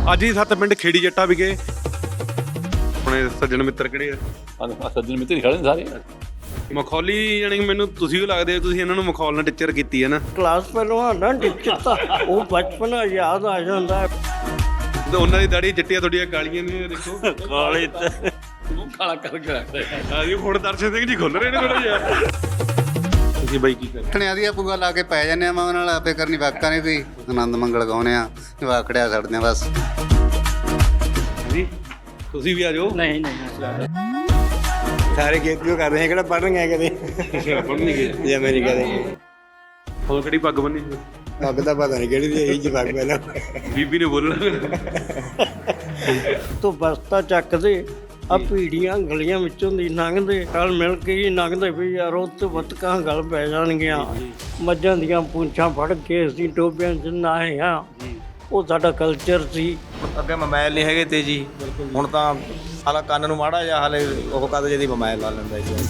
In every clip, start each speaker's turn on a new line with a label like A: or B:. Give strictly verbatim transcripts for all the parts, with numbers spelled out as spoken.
A: ਅੱਜ ਹੀ ਸੱਤ ਪਿੰਡ ਖੇੜੀ ਜੱਟਾ ਵਿਖੇ ਆਪਣੇ ਸੱਜਣ ਮਿੱਤਰ ਕਿਹੜੇ ਆ?
B: ਸੱਜਣ ਮਿੱਤਰ ਹੀ ਖੜੇ ਨੇ ਸਾਰੇ।
A: ਮਖੌਲੀ ਯਾਨੀ ਮੈਨੂੰ ਤੁਸੀਂ ਵੀ ਲੱਗਦੇ ਹੋ, ਤੁਸੀਂ ਇਹਨਾਂ ਨੂੰ ਮਖੌਲ ਨਾਲ ਟੀਚਰ ਕੀਤੀ ਹੈ ਨਾ।
C: ਕਲਾਸ ਪਹਿਲਵਾਨ ਨਾ ਟੀਚਰ ਤਾਂ ਉਹ ਬਚਪਨ ਯਾਦ ਆ ਜਾਂਦਾ।
A: ਤੇ ਉਹਨਾਂ ਦੀ ਦਾੜੀ ਚਿੱਟੀਆਂ ਤੁਹਾਡੀਆਂ ਕਾਲੀਆਂ ਨੇ, ਦੇਖੋ
C: ਕਾਲੇ ਤੇ
B: ਮੂੰਹ ਕਾਲਾ ਕਰਕੇ ਰੱਖਦੇ
A: ਆ ਜੀ। ਹੁਣ ਦਰਸ਼ਨ ਸਿੰਘ ਜੀ ਖੁੱਲ ਰਹੇ ਨੇ ਥੋੜਾ ਜਿਹਾ। ਤੁਸੀਂ ਬਾਈ ਕੀ ਕਰਦੇ?
D: ਠਣਿਆਂ ਦੀ ਪੂਗਾ ਲਾ ਕੇ ਪੈ ਜਾਂਦੇ ਆ, ਮੈਂ ਉਹਨਾਂ ਨਾਲ ਆਪੇ ਕਰਨੀ ਵਾਕਾਂ ਨੇ ਕੋਈ ਆਨੰਦ ਮੰਗਲ ਗਾਉਣੇ ਆ, ਵਾਕੜਿਆ ਛੱਡਦੇ ਆ ਬਸ।
A: ਜੀ ਤੁਸੀਂ ਵੀ ਆ ਜਾਓ।
C: ਨਹੀਂ ਨਹੀਂ
E: ਸਾਰੇ ਖੇਤ ਕਿਉਂ ਕਰ ਰਹੇ ਕਿਹੜਾ ਪੜ੍ਹਨ ਗਏ ਕਦੇ
A: ਪੜ੍ਹਨ ਨਹੀਂ ਗਏ
E: ਜੇ ਅਮਰੀਕਾ ਦੇ।
A: ਹੋਰ ਕਿਹੜੀ ਪੱਗ ਬੰਨੀ?
E: ਪੱਗ ਦਾ ਪਤਾ ਨਹੀਂ ਕਿਹੜੀ ਦੀ ਇਹੀ ਜੀ ਪੱਗ ਪਹਿਲਾਂ
A: ਬੀਬੀ ਨੇ ਬੋਲਣਾ।
C: ਤੂੰ ਬਸਤਾ ਚੱਕਦੇ ਆ ਪੀੜੀਆਂ ਗਲੀਆਂ ਵਿੱਚੋਂ ਦੀ ਲੰਘਦੇ, ਨਾਲ ਮਿਲ ਕੇ ਹੀ ਲੰਘਦੇ ਵੀ ਯਾਰ ਉੱਥੇ ਬੱਤਕਾਂ ਗਲ ਪੈ ਜਾਣਗੀਆਂ। ਮੱਝਾਂ ਦੀਆਂ ਪੂੰਛਾਂ ਫੜ ਕੇ ਅਸੀਂ ਟੋਬਿਆਂ 'ਚ ਨਹਾਏ ਹਾਂ। ਉਹ ਸਾਡਾ ਕਲਚਰ ਸੀ।
E: ਅੱਗੇ ਮੋਬਾਈਲ ਨਹੀਂ ਹੈਗੇ ਤੇ ਜੀ, ਹੁਣ ਤਾਂ ਹਾਲਾ ਕੰਨ ਨੂੰ ਮਾੜਾ ਜਾਂ ਹਾਲੇ ਉਹ ਕਦ ਜਿਹਦੀ ਮੋਬਾਈਲ ਲਾ ਲੈਂਦਾ ਜੀ।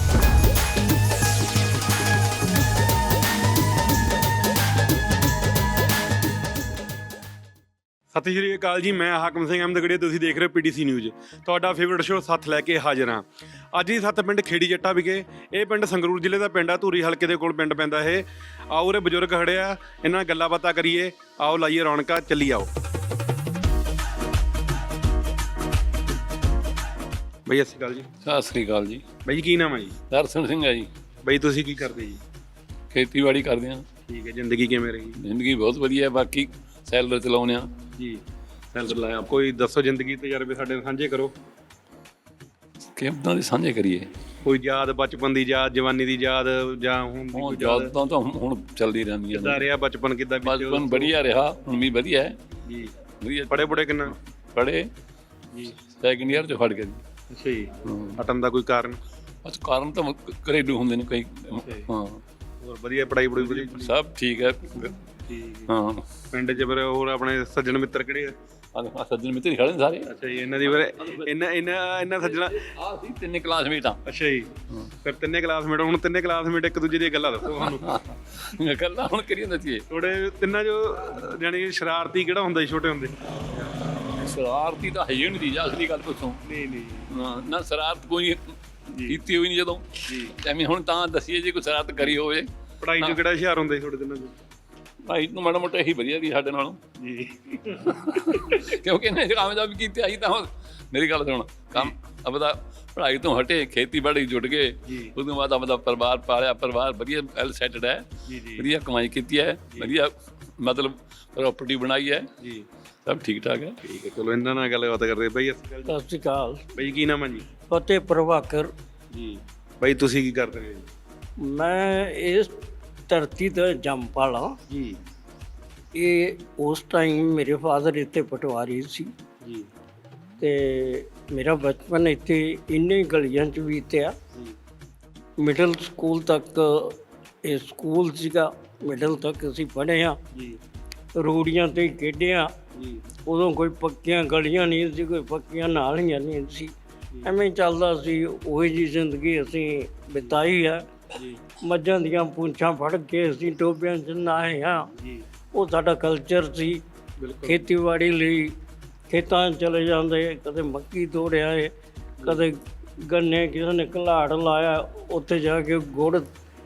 A: ਸਤਿ ਸ਼੍ਰੀ ਅਕਾਲ ਜੀ, ਮੈਂ ਹਾਕਮ ਸਿੰਘ ਅਹਿਮਦਗੜੀਆ, ਤੁਸੀਂ ਦੇਖ ਰਹੇ ਹੋ ਪੀਟੀਸੀ ਨਿਊਜ਼। ਤੁਹਾਡਾ ਫੇਵਰਟ ਸ਼ੋਅ ਸੱਥ ਲੈ ਕੇ ਹਾਜ਼ਰ ਹਾਂ। ਅੱਜ ਹੀ ਸੱਤ ਪਿੰਡ ਖੇੜੀ ਜੱਟਾ ਵਿਖੇ। ਇਹ ਪਿੰਡ ਸੰਗਰੂਰ ਜ਼ਿਲ੍ਹੇ ਦਾ ਪਿੰਡ ਆ, ਧੂਰੀ ਹਲਕੇ ਦੇ ਕੋਲ ਪਿੰਡ ਪੈਂਦਾ ਇਹ। ਆਓ ਉਰੇ ਬਜ਼ੁਰਗ ਖੜੇ ਆ, ਇਹਨਾਂ ਨਾਲ ਗੱਲਾਂ ਬਾਤਾਂ ਕਰੀਏ। ਆਓ ਲਾਈਏ ਰੌਣਕਾਂ, ਚੱਲੀ ਆਓ। ਬਈ ਸਤਿ ਸ਼੍ਰੀ ਅਕਾਲ ਜੀ।
B: ਸਤਿ ਸ੍ਰੀ ਅਕਾਲ ਜੀ।
A: ਬਈ ਕੀ ਨਾਮ ਹੈ ਜੀ?
B: ਦਰਸ਼ਨ ਸਿੰਘ ਹੈ ਜੀ।
A: ਬਈ ਤੁਸੀਂ ਕੀ ਕਰਦੇ ਜੀ?
B: ਖੇਤੀਬਾੜੀ ਕਰਦੇ ਹਾਂ।
A: ਠੀਕ ਹੈ। ਜ਼ਿੰਦਗੀ ਕਿਵੇਂ ਰਹੀ?
B: ਜ਼ਿੰਦਗੀ ਬਹੁਤ ਵਧੀਆ ਹੈ, ਬਾਕੀ ਸੈਲਰ ਚਲਾਉਂਦੇ ਹਾਂ
A: ਜੀ। ਸੈਲਰ ਲਾਇਆ। ਕੋਈ ਦੱਸੋ ਜ਼ਿੰਦਗੀ ਤਜਰਬੇ ਸਾਡੇ ਨਾਲ ਸਾਂਝੇ ਕਰੋ।
B: ਕਿੱਦਾਂ ਦੇ ਸਾਂਝੇ ਕਰੀਏ?
A: ਕੋਈ ਯਾਦ, ਬਚਪਨ ਦੀ ਯਾਦ, ਜਵਾਨੀ ਦੀ ਯਾਦ, ਜਾਂ ਹੁਣ ਦੀ
B: ਹੁਣ
A: ਕੋਈ ਯਾਦ?
B: ਯਾਦਾਂ ਤਾਂ ਹੁਣ ਚੱਲਦੀ ਰਹਿੰਦੀਆਂ
A: ਕਿੱਦਾਂ
B: ਨੇ।
A: ਰਿਹਾ ਬਚਪਨ? ਕਿੱਦਾਂ
B: ਬਚਪਨ ਵਧੀਆ ਰਿਹਾ, ਹੁਣ ਵੀ ਵਧੀਆ ਹੈ
A: ਜੀ।
B: ਵਧੀਆ।
A: ਪੜੇ ਪੁੜੇ ਕਿੰਨਾ?
B: ਪੜ੍ਹੇ
A: ਜੀ।
B: ਸੈਕਿੰਡ ਈਅਰ 'ਚ ਫੜ ਕੇ ਜੀ।
A: ਅੱਛਾ ਜੀ।
B: ਹਾਂ।
A: ਹਟਣ ਦਾ ਕੋਈ ਕਾਰਨ?
B: ਬਸ ਕਾਰਨ ਤਾਂ ਘਰੇਲੂ ਹੁੰਦੇ ਨੇ ਕਈ। ਹਾਂ।
A: ਹੋਰ ਵਧੀਆ ਪੜਾਈ ਪੜੂਈ ਵਧੀਆ?
B: ਸਭ ਠੀਕ ਹੈ।
A: ਠੀਕ।
B: ਹਾਂ।
A: ਪਿੰਡ 'ਚ ਫਿਰ ਹੋਰ ਆਪਣੇ ਸੱਜਣ ਮਿੱਤਰ ਕਿਹੜੇ ਆ?
B: ਆਹ ਸੱਜਣ ਮਿੱਤਰ ਹੀ ਖੜੇ ਨੇ ਸਾਰੇ।
A: ਅੱਛਾ ਜੀ। ਇਹਨਾਂ ਦੀ ਫਿਰ ਇਹਨਾਂ ਇਹਨਾਂ ਇਹਨਾਂ ਸੱਜਣਾ।
B: ਆਹ ਸੀ ਤਿੰਨੇ ਕਲਾਸਮੇਟ ਆ।
A: ਅੱਛਾ ਜੀ। ਫਿਰ ਤਿੰਨੇ ਕਲਾਸਮੇਟ। ਹੁਣ ਤਿੰਨੇ ਕਲਾਸਮੇਟ ਇੱਕ ਦੂਜੇ ਦੀਆਂ ਗੱਲਾਂ ਦੱਸੋ ਸਾਨੂੰ।
B: ਗੱਲਾਂ ਹੁਣ ਕਰੀਏ ਦੱਸੀਏ।
A: ਥੋੜੇ ਤਿੰਨਾਂ 'ਚੋਂ ਜਾਣੀ ਸ਼ਰਾਰਤੀ ਕਿਹੜਾ ਹੁੰਦਾ ਸੀ ਛੋਟੇ ਹੁੰਦੇ?
B: ਸ਼ਰਾਰਤੀ ਤਾਂ ਹੈ ਹੀ ਨਹੀਂ ਜੀ, ਅਸਲੀ ਗੱਲ ਪੁੱਛੋ।
A: ਨਹੀਂ ਨਹੀਂ
B: ਹਾਂ ਨਾ, ਸ਼ਰਾਰਤ ਕੋਈ ਕੀਤੀ ਹੋਈ ਨਹੀਂ ਜਦੋਂ
A: ਜੀ।
B: ਐਵੇਂ ਹੁਣ ਤਾਂ ਦੱਸੀਏ ਜੇ ਕੋਈ ਸ਼ਰਾਰਤ ਕਰੀ ਹੋਵੇ।
A: ਪੜਾਈ 'ਚ ਕਿਹੜਾ ਹੁਸ਼ਿਆਰ ਹੁੰਦਾ ਸੀ ਥੋੜੇ ਦਿਨਾਂ 'ਚ?
B: ਭਾਈ ਨੂੰ ਮਾੜਾ ਮੋਟਾ ਇਹੀ ਵਧੀਆ ਸੀ ਸਾਡੇ ਨਾਲੋਂ
A: ਜੀ।
B: ਕਿਉਂਕਿ ਇਹਨੇ ਕਾਮਯਾਬ ਕੀਤੀ ਆਈ ਤਾਂ ਹੁਣ ਮੇਰੀ ਗੱਲ ਸੁਣ, ਕੰਮ ਆਪਦਾ ਪੜ੍ਹਾਈ ਤੋਂ ਹਟੇ, ਖੇਤੀਬਾੜੀ ਜੁਟ ਗਏ। ਉਸ ਤੋਂ ਬਾਅਦ ਆਪਦਾ ਪਰਿਵਾਰ ਪਾਲਿਆ, ਪਰਿਵਾਰ ਵਧੀਆ ਵੈਲ ਸੈਟਡ ਹੈ, ਵਧੀਆ ਕਮਾਈ ਕੀਤੀ ਹੈ, ਵਧੀਆ ਮਤਲਬ ਪ੍ਰਾਪਰਟੀ ਬਣਾਈ ਹੈ ਜੀ, ਸਭ ਠੀਕ ਠਾਕ ਹੈ।
A: ਠੀਕ ਹੈ, ਚਲੋ ਇਹਨਾਂ ਨਾਲ ਗੱਲਬਾਤ ਕਰਦੇ। ਬਈ
C: ਸਤਿ ਸ਼੍ਰੀ ਅਕਾਲ।
A: ਬਈ ਕੀ ਨਾਮ ਹੈ ਜੀ?
C: ਫਤਿਹ ਪ੍ਰਭਾਕਰ
A: ਜੀ। ਬਈ ਤੁਸੀਂ ਕੀ ਕਰਦੇ ਹੋ ਜੀ?
C: ਮੈਂ ਇਸ ਧਰਤੀ ਤੇ ਜੰਮ ਪਾਲਾ
A: ਜੀ।
C: ਇਹ ਉਸ ਟਾਈਮ ਮੇਰੇ ਫਾਦਰ ਇੱਥੇ ਪਟਵਾਰੀ ਸੀ
A: ਜੀ।
C: ਤੇ ਮੇਰਾ ਬਚਪਨ ਇੱਥੇ ਇੰਨੇ ਗਲੀਆਂ 'ਚ ਬੀਤਿਆ। ਮਿਡਲ ਸਕੂਲ ਤੱਕ ਇਹ ਸਕੂਲ ਸੀਗਾ, ਮਿਡਲ ਤੱਕ ਅਸੀਂ ਪੜ੍ਹੇ ਹਾਂ
A: ਜੀ।
C: ਰੂੜੀਆਂ 'ਤੇ ਖੇਡਿਆ
A: ਜੀ।
C: ਉਦੋਂ ਕੋਈ ਪੱਕੀਆਂ ਗਲੀਆਂ ਨਹੀਂ ਸੀ, ਕੋਈ ਪੱਕੀਆਂ ਨਾਲੀਆਂ ਨਹੀਂ ਸੀ, ਐਵੇਂ ਚੱਲਦਾ ਸੀ। ਉਹੀ ਜਿਹੀ ਜ਼ਿੰਦਗੀ ਅਸੀਂ ਬਿਤਾਈ ਹੈ। ਮੱਝਾਂ ਦੀਆਂ ਪੂੰਛਾਂ ਫੜ ਕੇ ਅਸੀਂ ਟੋਬਿਆਂ 'ਚ ਨਹਾਏ ਹਾਂ। ਉਹ ਸਾਡਾ ਕਲਚਰ ਸੀ। ਖੇਤੀਬਾੜੀ ਲਈ ਖੇਤਾਂ 'ਚ ਚਲੇ ਜਾਂਦੇ, ਕਦੇ ਮੱਕੀ ਤੋੜਿਆ ਏ, ਕਦੇ ਗੰਨੇ ਕਿਸੇ ਨੇ ਘਲਾੜ ਲਾਇਆ, ਉੱਥੇ ਜਾ ਕੇ ਗੁੜ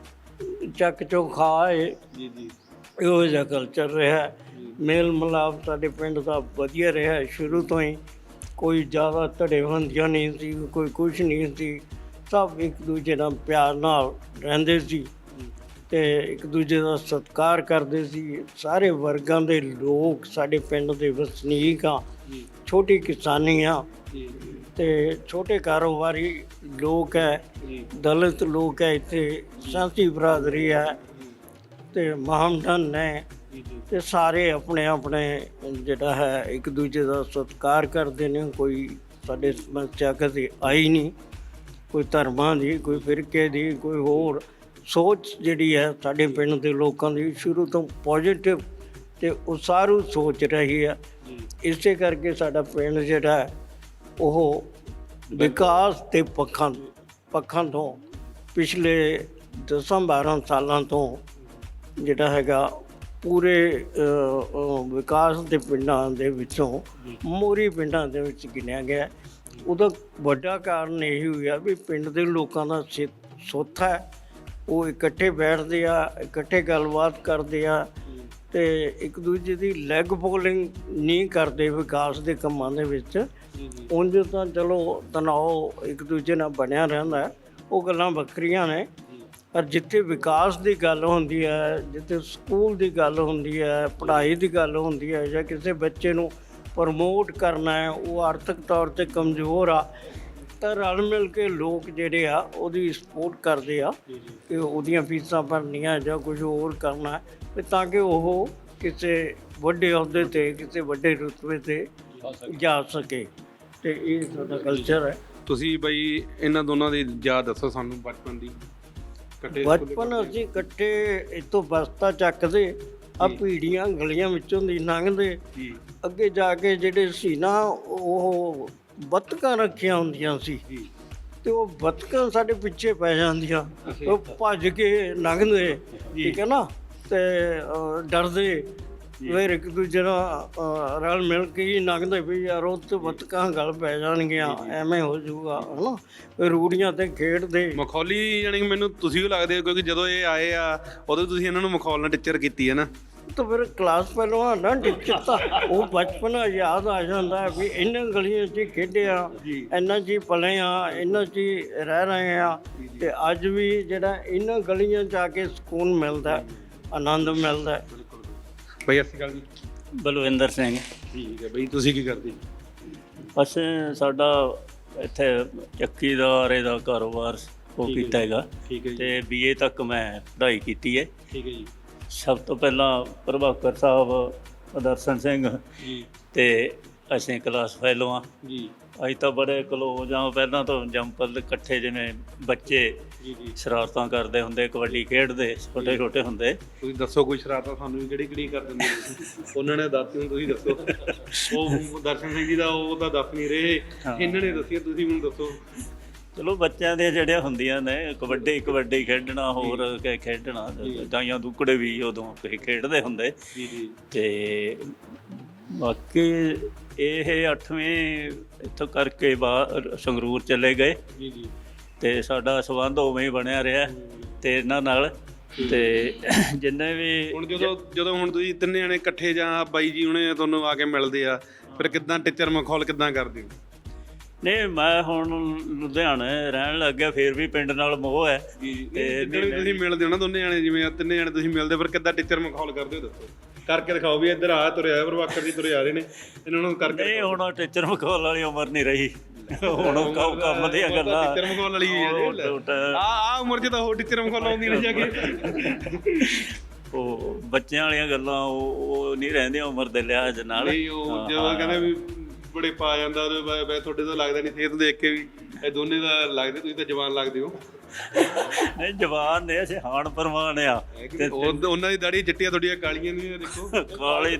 C: ਚੱਕ ਚੋਂ ਖਾਏ। ਜੀ ਜੀ। ਇਹੋ ਜਿਹਾ ਕਲਚਰ ਰਿਹਾ। ਮੇਲ ਮਿਲਾਪ ਸਾਡੇ ਪਿੰਡ ਦਾ ਵਧੀਆ ਰਿਹਾ ਸ਼ੁਰੂ ਤੋਂ ਹੀ। ਕੋਈ ਜ਼ਿਆਦਾ ਧੜੇਬੰਦੀਆਂ ਨਹੀਂ ਸੀ, ਕੋਈ ਕੁਛ ਨਹੀਂ ਸੀ। ਸਭ ਇੱਕ ਦੂਜੇ ਨਾਲ ਪਿਆਰ ਨਾਲ ਰਹਿੰਦੇ ਸੀ ਅਤੇ ਇੱਕ ਦੂਜੇ ਦਾ ਸਤਿਕਾਰ ਕਰਦੇ ਸੀ। ਸਾਰੇ ਵਰਗਾਂ ਦੇ ਲੋਕ ਸਾਡੇ ਪਿੰਡ ਦੇ ਵਸਨੀਕ ਆ। ਛੋਟੀ ਕਿਸਾਨੀ ਆ ਅਤੇ ਛੋਟੇ ਕਾਰੋਬਾਰੀ ਲੋਕ ਹੈ, ਦਲਿਤ ਲੋਕ ਹੈ, ਇੱਥੇ ਸਾਂਝੀ ਬਰਾਦਰੀ ਹੈ ਅਤੇ ਮਹਮਦਨ ਨੇ, ਅਤੇ ਸਾਰੇ ਆਪਣੇ ਆਪਣੇ ਜਿਹੜਾ ਹੈ ਇੱਕ ਦੂਜੇ ਦਾ ਸਤਿਕਾਰ ਕਰਦੇ ਨੇ। ਕੋਈ ਸਾਡੇ ਸਮੱਸਿਆ ਕਦੇ ਆਈ ਨਹੀਂ, ਕੋਈ ਧਰਮਾਂ ਦੀ, ਕੋਈ ਫਿਰਕੇ ਦੀ, ਕੋਈ ਹੋਰ ਸੋਚ ਜਿਹੜੀ ਹੈ ਸਾਡੇ ਪਿੰਡ ਦੇ ਲੋਕਾਂ ਦੀ ਸ਼ੁਰੂ ਤੋਂ ਪੋਜ਼ੀਟਿਵ ਅਤੇ ਉਸਾਰੂ ਸੋਚ ਰਹੀ ਹੈ। ਇਸੇ ਕਰਕੇ ਸਾਡਾ ਪਿੰਡ ਜਿਹੜਾ ਹੈ ਉਹ ਵਿਕਾਸ ਦੇ ਪੱਖਾਂ ਪੱਖਾਂ ਤੋਂ ਪਿਛਲੇ ਦਸਾਂ ਬਾਰਾਂ ਸਾਲਾਂ ਤੋਂ ਜਿਹੜਾ ਹੈਗਾ ਪੂਰੇ ਅ, ਅ, ਵਿਕਾਸ ਦੇ ਪਿੰਡਾਂ ਦੇ ਵਿੱਚੋਂ ਮੋਰੀ ਪਿੰਡਾਂ ਦੇ ਵਿੱਚ ਗਿਣਿਆ ਗਿਆ। ਉਹਦਾ ਵੱਡਾ ਕਾਰਨ ਇਹ ਹੋਇਆ ਵੀ ਪਿੰਡ ਦੇ ਲੋਕਾਂ ਦਾ ਸਿ- ਸੁੱਥ ਹੈ, ਉਹ ਇਕੱਠੇ ਬੈਠਦੇ ਆ, ਇਕੱਠੇ ਗੱਲਬਾਤ ਕਰਦੇ ਆ ਤੇ ਇੱਕ ਦੂਜੇ ਦੀ ਲੈਗ ਪੋਲਿੰਗ ਨਹੀਂ ਕਰਦੇ ਵਿਕਾਸ ਦੇ ਕੰਮਾਂ ਦੇ ਵਿੱਚ। ਉਂਝ ਤਾਂ ਚਲੋ ਤਣਾਅ ਇੱਕ ਦੂਜੇ ਨਾਲ ਬਣਿਆ ਰਹਿੰਦਾ, ਉਹ ਗੱਲਾਂ ਵੱਖਰੀਆਂ ਨੇ। ਪਰ ਜਿੱਥੇ ਵਿਕਾਸ ਦੀ ਗੱਲ ਹੁੰਦੀ ਹੈ, ਜਿੱਥੇ ਸਕੂਲ ਦੀ ਗੱਲ ਹੁੰਦੀ ਹੈ, ਪੜ੍ਹਾਈ ਦੀ ਗੱਲ ਹੁੰਦੀ ਹੈ, ਜਾਂ ਕਿਸੇ ਬੱਚੇ ਨੂੰ ਪ੍ਰਮੋਟ ਕਰਨਾ ਹੈ, ਉਹ ਆਰਥਿਕ ਤੌਰ 'ਤੇ ਕਮਜ਼ੋਰ ਆ, ਤਾਂ ਰਲ ਮਿਲ ਕੇ ਲੋਕ ਜਿਹੜੇ ਆ ਉਹਦੀ ਸਪੋਰਟ ਕਰਦੇ ਆ ਕਿ ਉਹਦੀਆਂ ਫੀਸਾਂ ਭਰਨੀਆਂ ਜਾਂ ਕੁਝ ਹੋਰ ਕਰਨਾ ਵੀ ਤਾਂ ਕਿ ਉਹ ਕਿਸੇ ਵੱਡੇ ਅਹੁਦੇ 'ਤੇ, ਕਿਸੇ ਵੱਡੇ ਰੁਤਬੇ 'ਤੇ ਜਾ ਸਕੇ। ਤੇ ਇਹ ਸਾਡਾ ਕਲਚਰ ਹੈ।
A: ਤੁਸੀਂ ਬਈ ਇਹਨਾਂ ਦੋਨਾਂ ਦੀ ਯਾਦ ਦੱਸੋ ਸਾਨੂੰ ਬਚਪਨ ਦੀ। ਇਕੱਠੇ
C: ਬਚਪਨ ਅਸੀਂ ਇਕੱਠੇ ਇੱਥੋਂ ਬਸਤਾ ਚੱਕਦੇ, ਆ ਭੀੜੀਆਂ ਗਲੀਆਂ ਵਿੱਚੋਂ ਦੀ ਲੰਘਦੇ,
A: ਜੀ
C: ਅੱਗੇ ਜਾ ਕੇ ਜਿਹੜੇ ਸੀ ਨਾ ਉਹ ਬੱਤਕਾਂ ਰੱਖੀਆਂ ਹੁੰਦੀਆਂ ਸੀ
A: ਜੀ
C: ਤੇ ਉਹ ਬੱਤਕਾਂ ਸਾਡੇ ਪਿੱਛੇ ਪੈ ਜਾਂਦੀਆਂ, ਉਹ ਭੱਜ ਕੇ ਲੰਘਦੇ, ਠੀਕ ਹੈ ਨਾ, ਤੇ ਅ, ਡਰਦੇ ਫਿਰ ਇੱਕ ਦੂਜੇ ਨਾਲ ਅ, ਰਲ ਮਿਲ ਕੇ ਹੀ ਲੰਘਦੇ ਵੀ ਯਾਰ ਉਹ ਤੇ ਬੱਤਕਾਂ ਗਲ ਪੈ ਜਾਣਗੀਆਂ, ਐਵੇਂ ਹੋ ਜਾਊਗਾ, ਹੈ ਨਾ। ਫਿਰ ਰੂੜੀਆਂ ਤੇ ਖੇਡਦੇ।
A: ਮਖੌਲੀ ਯਾਨੀ ਕਿ ਮੈਨੂੰ ਤੁਸੀਂ ਵੀ ਲੱਗਦੇ ਹੋ ਕਿਉਂਕਿ ਜਦੋਂ ਇਹ ਆਏ ਆ ਉਦੋਂ ਤੁਸੀਂ ਇਹਨਾਂ ਨੂੰ ਮਖੌਲ ਨਾਲ ਟੀਚਰ ਕੀਤੀ ਹੈ ਨਾ।
C: ਤਾਂ ਫਿਰ ਕਲਾਸ ਪਹਿਲਾਂ ਨਾ ਟੀਚਰ ਤਾਂ ਉਹ ਬਚਪਨ ਯਾਦ ਆ ਜਾਂਦਾ ਵੀ ਇਹਨਾਂ ਗਲੀਆਂ 'ਚ ਹੀ ਖੇਡਿਆ, ਇਹਨਾਂ 'ਚ ਹੀ ਪਲੇ ਆ, ਇਹਨਾਂ 'ਚ ਹੀ ਰਹਿ ਰਹੇ ਆ। ਤੇ ਅੱਜ ਵੀ ਜਿਹੜਾ ਇਹਨਾਂ ਗਲੀਆਂ 'ਚ ਆ ਕੇ ਸਕੂਨ ਮਿਲਦਾ, ਆਨੰਦ ਮਿਲਦਾ।
A: ਬਈ ਅਸੀਂ ਗੱਲ ਜੀ।
F: ਬਲਵਿੰਦਰ ਸਿੰਘ।
A: ਠੀਕ ਹੈ ਬਈ, ਤੁਸੀਂ ਕੀ ਕਰਦੇ?
F: ਅਸੀਂ ਸਾਡਾ ਇੱਥੇ ਚੱਕੀ ਦਾ ਆਰੇ ਦਾ ਕਾਰੋਬਾਰ ਉਹ ਕੀਤਾ ਹੈਗਾ
A: ਠੀਕ ਹੈ ਜੀ।
F: ਤੇ ਬੀਏ ਤੱਕ ਮੈਂ ਪੜ੍ਹਾਈ ਕੀਤੀ ਹੈ।
A: ਠੀਕ ਹੈ ਜੀ।
F: ਸਭ ਤੋਂ ਪਹਿਲਾਂ ਪ੍ਰਭਾਕਰ ਸਾਹਿਬ, ਦਰਸ਼ਨ ਸਿੰਘ
A: ਜੀ
F: ਤੇ ਅਸੀਂ ਕਲਾਸ ਫੈਲੋ ਹਾਂ।
A: ਜੀ
F: ਅਸੀਂ ਤਾਂ ਬੜੇ ਕਲੋਜ਼ ਹਾਂ, ਪਹਿਲਾਂ ਤੋਂ ਜੰਪਲ ਇਕੱਠੇ ਜਿਵੇਂ ਬੱਚੇ
A: ਜੀ ਜੀ
F: ਸ਼ਰਾਰਤਾਂ ਕਰਦੇ ਹੁੰਦੇ, ਕਬੱਡੀ ਖੇਡਦੇ ਛੋਟੇ ਛੋਟੇ ਹੁੰਦੇ।
A: ਤੁਸੀਂ ਦੱਸੋ ਕੋਈ ਸ਼ਰਾਰਤਾਂ ਸਾਨੂੰ ਵੀ ਕਿਹੜੀ ਕਿਹੜੀ ਕਰ ਦਿੰਦੇ ਤੁਸੀਂ? ਉਹਨਾਂ ਨੇ ਦੱਸੀ ਹੁਣ ਤੁਸੀਂ ਦੱਸੋ। ਉਹ ਦਰਸ਼ਨ ਸਿੰਘ ਜੀ ਦਾ ਉਹ ਤਾਂ ਦੱਸ ਨਹੀਂ ਰਹੇ, ਇਹਨਾਂ ਨੇ ਦੱਸਿਆ, ਤੁਸੀਂ ਮੈਨੂੰ ਦੱਸੋ।
F: ਚਲੋ ਬੱਚਿਆਂ ਦੀਆਂ ਜਿਹੜੀਆਂ ਹੁੰਦੀਆਂ ਨੇ ਕਬੱਡੀ ਕਬੱਡੀ ਖੇਡਣਾ, ਹੋਰ ਕਿ ਖੇਡਣਾ, ਡਾਈਆਂ ਦੁੱਕੜੇ ਵੀ ਉਦੋਂ ਅਸੀਂ ਖੇਡਦੇ ਹੁੰਦੇ।
A: ਜੀ ਜੀ
F: ਤੇ ਬਾਕੀ ਇਹ ਅੱਠਵੀਂ ਇੱਥੋਂ ਕਰਕੇ ਬਾਹਰ ਸੰਗਰੂਰ ਚਲੇ ਗਏ
A: ਜੀ ਜੀ
F: ਤੇ ਸਾਡਾ ਸੰਬੰਧ ਉਵੇਂ ਹੀ ਬਣਿਆ ਰਿਹਾ ਤੇ ਇਹਨਾਂ ਨਾਲ। ਤੇ ਜਿੰਨੇ ਵੀ
A: ਹੁਣ ਜਦੋਂ ਜਦੋਂ ਹੁਣ ਤੁਸੀਂ ਤਿੰਨੇ ਜਣੇ ਇਕੱਠੇ ਜਾਂ ਬਾਈ ਜੀ ਹੁਣੇ ਤੁਹਾਨੂੰ ਆ ਕੇ ਮਿਲਦੇ ਆ, ਫਿਰ ਕਿੱਦਾਂ ਟੀਚਰ ਮਖੌਲ ਕਿੱਦਾਂ ਕਰਦੇ ਹੋ?
F: ਨਹੀਂ, ਮੈਂ ਹੁਣ ਲੁਧਿਆਣੇ ਰਹਿਣ ਲੱਗ ਗਿਆ, ਫਿਰ ਵੀ ਪਿੰਡ ਨਾਲ ਮੋਹ ਹੈ।
A: ਤੇ ਜਿੱਦਣ ਵੀ ਤੁਸੀਂ ਮਿਲਦੇ ਹੋ ਨਾ ਦੋਨੇ ਜਣੇ, ਜਿਵੇਂ ਤਿੰਨੇ ਜਣੇ ਤੁਸੀਂ ਮਿਲਦੇ, ਫਿਰ ਕਿੱਦਾਂ ਟੀਚਰ ਮਖੌਲ ਕਰਦੇ ਹੋ ਦੱਸੋ? ਕਰਕੇ ਦਿਖਾਓ ਵੀ ਇੱਧਰ ਆ ਤੁਰਿਆ ਪ੍ਰਭਾਕਰ ਜੀ ਤੁਰੇ ਆ ਰਹੇ ਨੇ, ਇਹਨਾਂ ਨੂੰ ਕਰਕੇ।
F: ਨਹੀਂ, ਹੁਣ ਟੀਚਰ ਮਖੌਲ ਵਾਲੀ ਉਮਰ ਨਹੀਂ ਰਹੀ, ਹੁਣ ਉਹ ਕੰਮ ਕੰਮ ਦੀਆਂ ਗੱਲਾਂ।
A: ਟੀਚਰ ਮਖੌਲ ਵਾਲੀ ਆ ਆ ਉਮਰ 'ਚ ਤਾਂ ਉਹ ਟੀਚਰ ਮਖੌਲ ਆਉਂਦੀ ਨਹੀਂ ਜਾ ਕੇ।
F: ਉਹ ਬੱਚਿਆਂ ਵਾਲੀਆਂ ਗੱਲਾਂ ਉਹ ਉਹ ਨਹੀਂ ਰਹਿੰਦੀਆਂ ਉਮਰ ਦੇ ਲਿਹਾਜ਼ ਨਾਲ।
A: ਨਹੀਂ, ਉਹ ਜਦੋਂ ਕਹਿੰਦੇ ਵੀ ਬੜੇ ਪਾ ਜਾਂਦਾ ਉਹਦੇ ਵੈ ਤੁਹਾਡੇ ਤਾਂ ਲੱਗਦਾ ਨਹੀਂ, ਸਿਹਤ ਦੇਖ ਕੇ ਵੀ ਇਹ ਦੋਨੇ ਦਾ ਲੱਗਦੇ, ਤੁਸੀਂ ਤਾਂ ਜਵਾਨ ਲੱਗਦੇ ਹੋ।
F: ਨਹੀਂ, ਜਵਾਨ ਨੇ ਅਸੀਂ ਹਾਣ ਪਰਵਾਨ ਆ।
A: ਤੇ ਉਹਨਾਂ ਦੀ ਦਾੜੀ ਚਿੱਟੀਆਂ, ਤੁਹਾਡੀਆਂ ਕਾਲੀਆਂ ਨੇ, ਦੇਖੋ
F: ਕਾਲੀ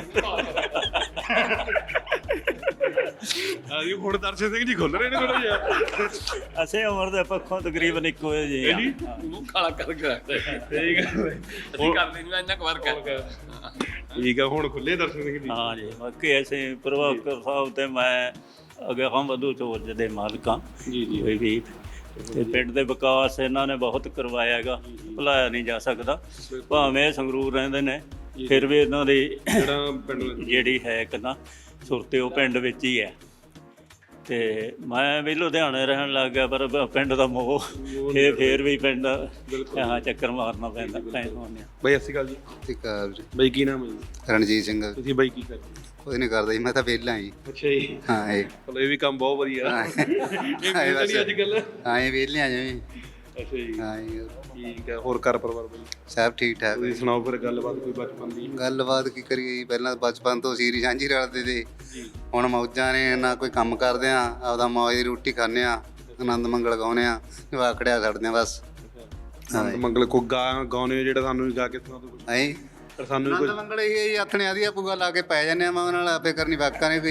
A: ਆ ਜੀ। ਹੁਣ ਦਰਸ਼ਨ ਸਿੰਘ ਜੀ ਖੁੱਲ ਰਹੇ ਨੇ ਥੋੜਾ ਜਿਹਾ।
F: ਅਸੀਂ ਉਮਰ ਦੇ ਪੱਖੋਂ ਤਕਰੀਬਨ ਇੱਕੋ ਜਿਹੇ ਆ।
B: ਮੂੰਹ ਕਾਲਾ ਕਰਕੇ ਰੱਖਦੇ
A: ਠੀਕ ਹੈ,
B: ਅਸੀਂ ਕਰਦੇ ਨਹੀਂ, ਇੰਨਾ ਕੁ ਫਰਕ ਹੈ।
A: ਠੀਕ ਆ, ਹੁਣ ਖੁੱਲੇ ਦਰਸ਼ਨ ਸਿੰਘ ਜੀ।
F: ਹਾਂ ਜੀ, ਬਾਕੀ ਅਸੀਂ ਪ੍ਰਭਾਕਰ ਸਾਹਿਬ ਤੇ ਮੈਂ ਅੱਗੇ ਹਮ ਵਧੂ ਚੋਜ ਦੇ ਮਾਲਕਾਂ
A: ਜੀ ਜੀ
F: ਕੋਈ ਵੀ। ਤੇ ਪਿੰਡ ਦੇ ਵਿਕਾਸ ਇਹਨਾਂ ਨੇ ਬਹੁਤ ਕਰਵਾਇਆ ਹੈਗਾ, ਭੁਲਾਇਆ ਨਹੀਂ ਜਾ ਸਕਦਾ। ਭਾਵੇਂ ਸੰਗਰੂਰ ਰਹਿੰਦੇ ਨੇ, ਫਿਰ ਵੀ ਇਹਨਾਂ ਦੀ
A: ਜਿਹੜਾ ਪਿੰਡ
F: ਜਿਹੜੀ ਹੈ ਇੱਕ ਨਾ ਸੁਰਤੇ ਉਹ ਪਿੰਡ ਵਿੱਚ ਹੀ ਹੈ। ਤੇ ਮੈਂ ਵੀ ਲੁਧਿਆਣੇ ਰਹਿਣ ਲੱਗ ਗਿਆ, ਪਰ ਪਿੰਡ ਦਾ ਮੋਹ ਇਹ ਫੇਰ ਵੀ ਪਿੰਡ ਹਾਂ ਚੱਕਰ ਮਾਰਨਾ ਪੈਂਦਾ ਪੈਂਦਾ।
A: ਬਈ ਅਸੀਂ ਗੱਲ ਜੀ।
D: ਠੀਕ ਆ ਵੀਰੇ।
A: ਬਈ ਕੀ ਨਾਮ ਹੈ ਜੀ?
D: ਰਣਜੀਤ ਸਿੰਘ।
A: ਤੁਸੀਂ ਬਈ ਕੀ ਕਰਦੇ?
D: ਕੋਈ ਨਹੀਂ ਕਰਦਾ ਜੀ, ਮੈਂ ਤਾਂ ਵਿਹਲਾ ਜੀ।
A: ਅੱਛਾ ਜੀ।
D: ਹਾਂ ਇਹ
A: ਚਲੋ ਇਹ ਵੀ ਕੰਮ ਬਹੁਤ ਵਧੀਆ।
D: ਹਾਂ
A: ਇਹ ਵੀ ਅੱਜ ਕੱਲ।
D: ਹਾਂ ਇਹ ਵਿਹਲੇ ਆ ਜਿਵੇਂ।
A: ਅੱਛਾ ਜੀ।
D: ਹਾਂ ਜੀ,
A: ਠੀਕ ਹੈ। ਹੋਰ ਘਰ ਪਰਿਵਾਰ ਬਈ
D: ਸਭ ਠੀਕ ਠਾਕ।
A: ਤੁਸੀਂ ਸੁਣਾਓ ਫਿਰ ਗੱਲਬਾਤ ਕੋਈ ਬਚਪਨ ਦੀ।
D: ਗੱਲਬਾਤ ਕੀ ਕਰੀਏ ਜੀ, ਪਹਿਲਾਂ ਬਚਪਨ ਤੋਂ ਸੀਰੀ ਸਾਂਝੀ ਰਲਦੇ ਤੇ ਹੁਣ ਮੌਜਾਂ ਨੇ, ਨਾ ਕੋਈ ਕੰਮ ਕਰਦੇ ਆ, ਆਪਦਾ ਮੌਜ ਦੀ ਰੋਟੀ ਖਾਂਦੇ ਆ, ਆਨੰਦ ਮੰਗਲ ਗਾਉਂਦੇ ਆ, ਵਾਕੜਿਆ ਛੱਡਦੇ ਆ ਬਸ।
A: ਆਨੰਦ ਮੰਗਲ ਕੋ ਗਾ ਗਾਉਣੇ ਜਿਹੜੇ ਸਾਨੂੰ ਵੀ ਗਾ ਕੇ ਸੁਣਾ ਦਿਓ।
D: ਹੈ
A: ਪਰ ਸਾਨੂੰ ਵੀ
D: ਆਨੰਦ
A: ਕੁਝ
D: ਮੰਗਲ ਇਹ ਆਥਣੇ ਆਦੀ ਆਪੂ ਲਾ ਕੇ ਪੈ ਜਾਂਦੇ ਆ, ਮੈਂ ਉਹਨਾਂ ਨਾਲ ਆਪੇ ਕਰਨੀ ਵਾਕਾਂ ਨੇ ਕੋਈ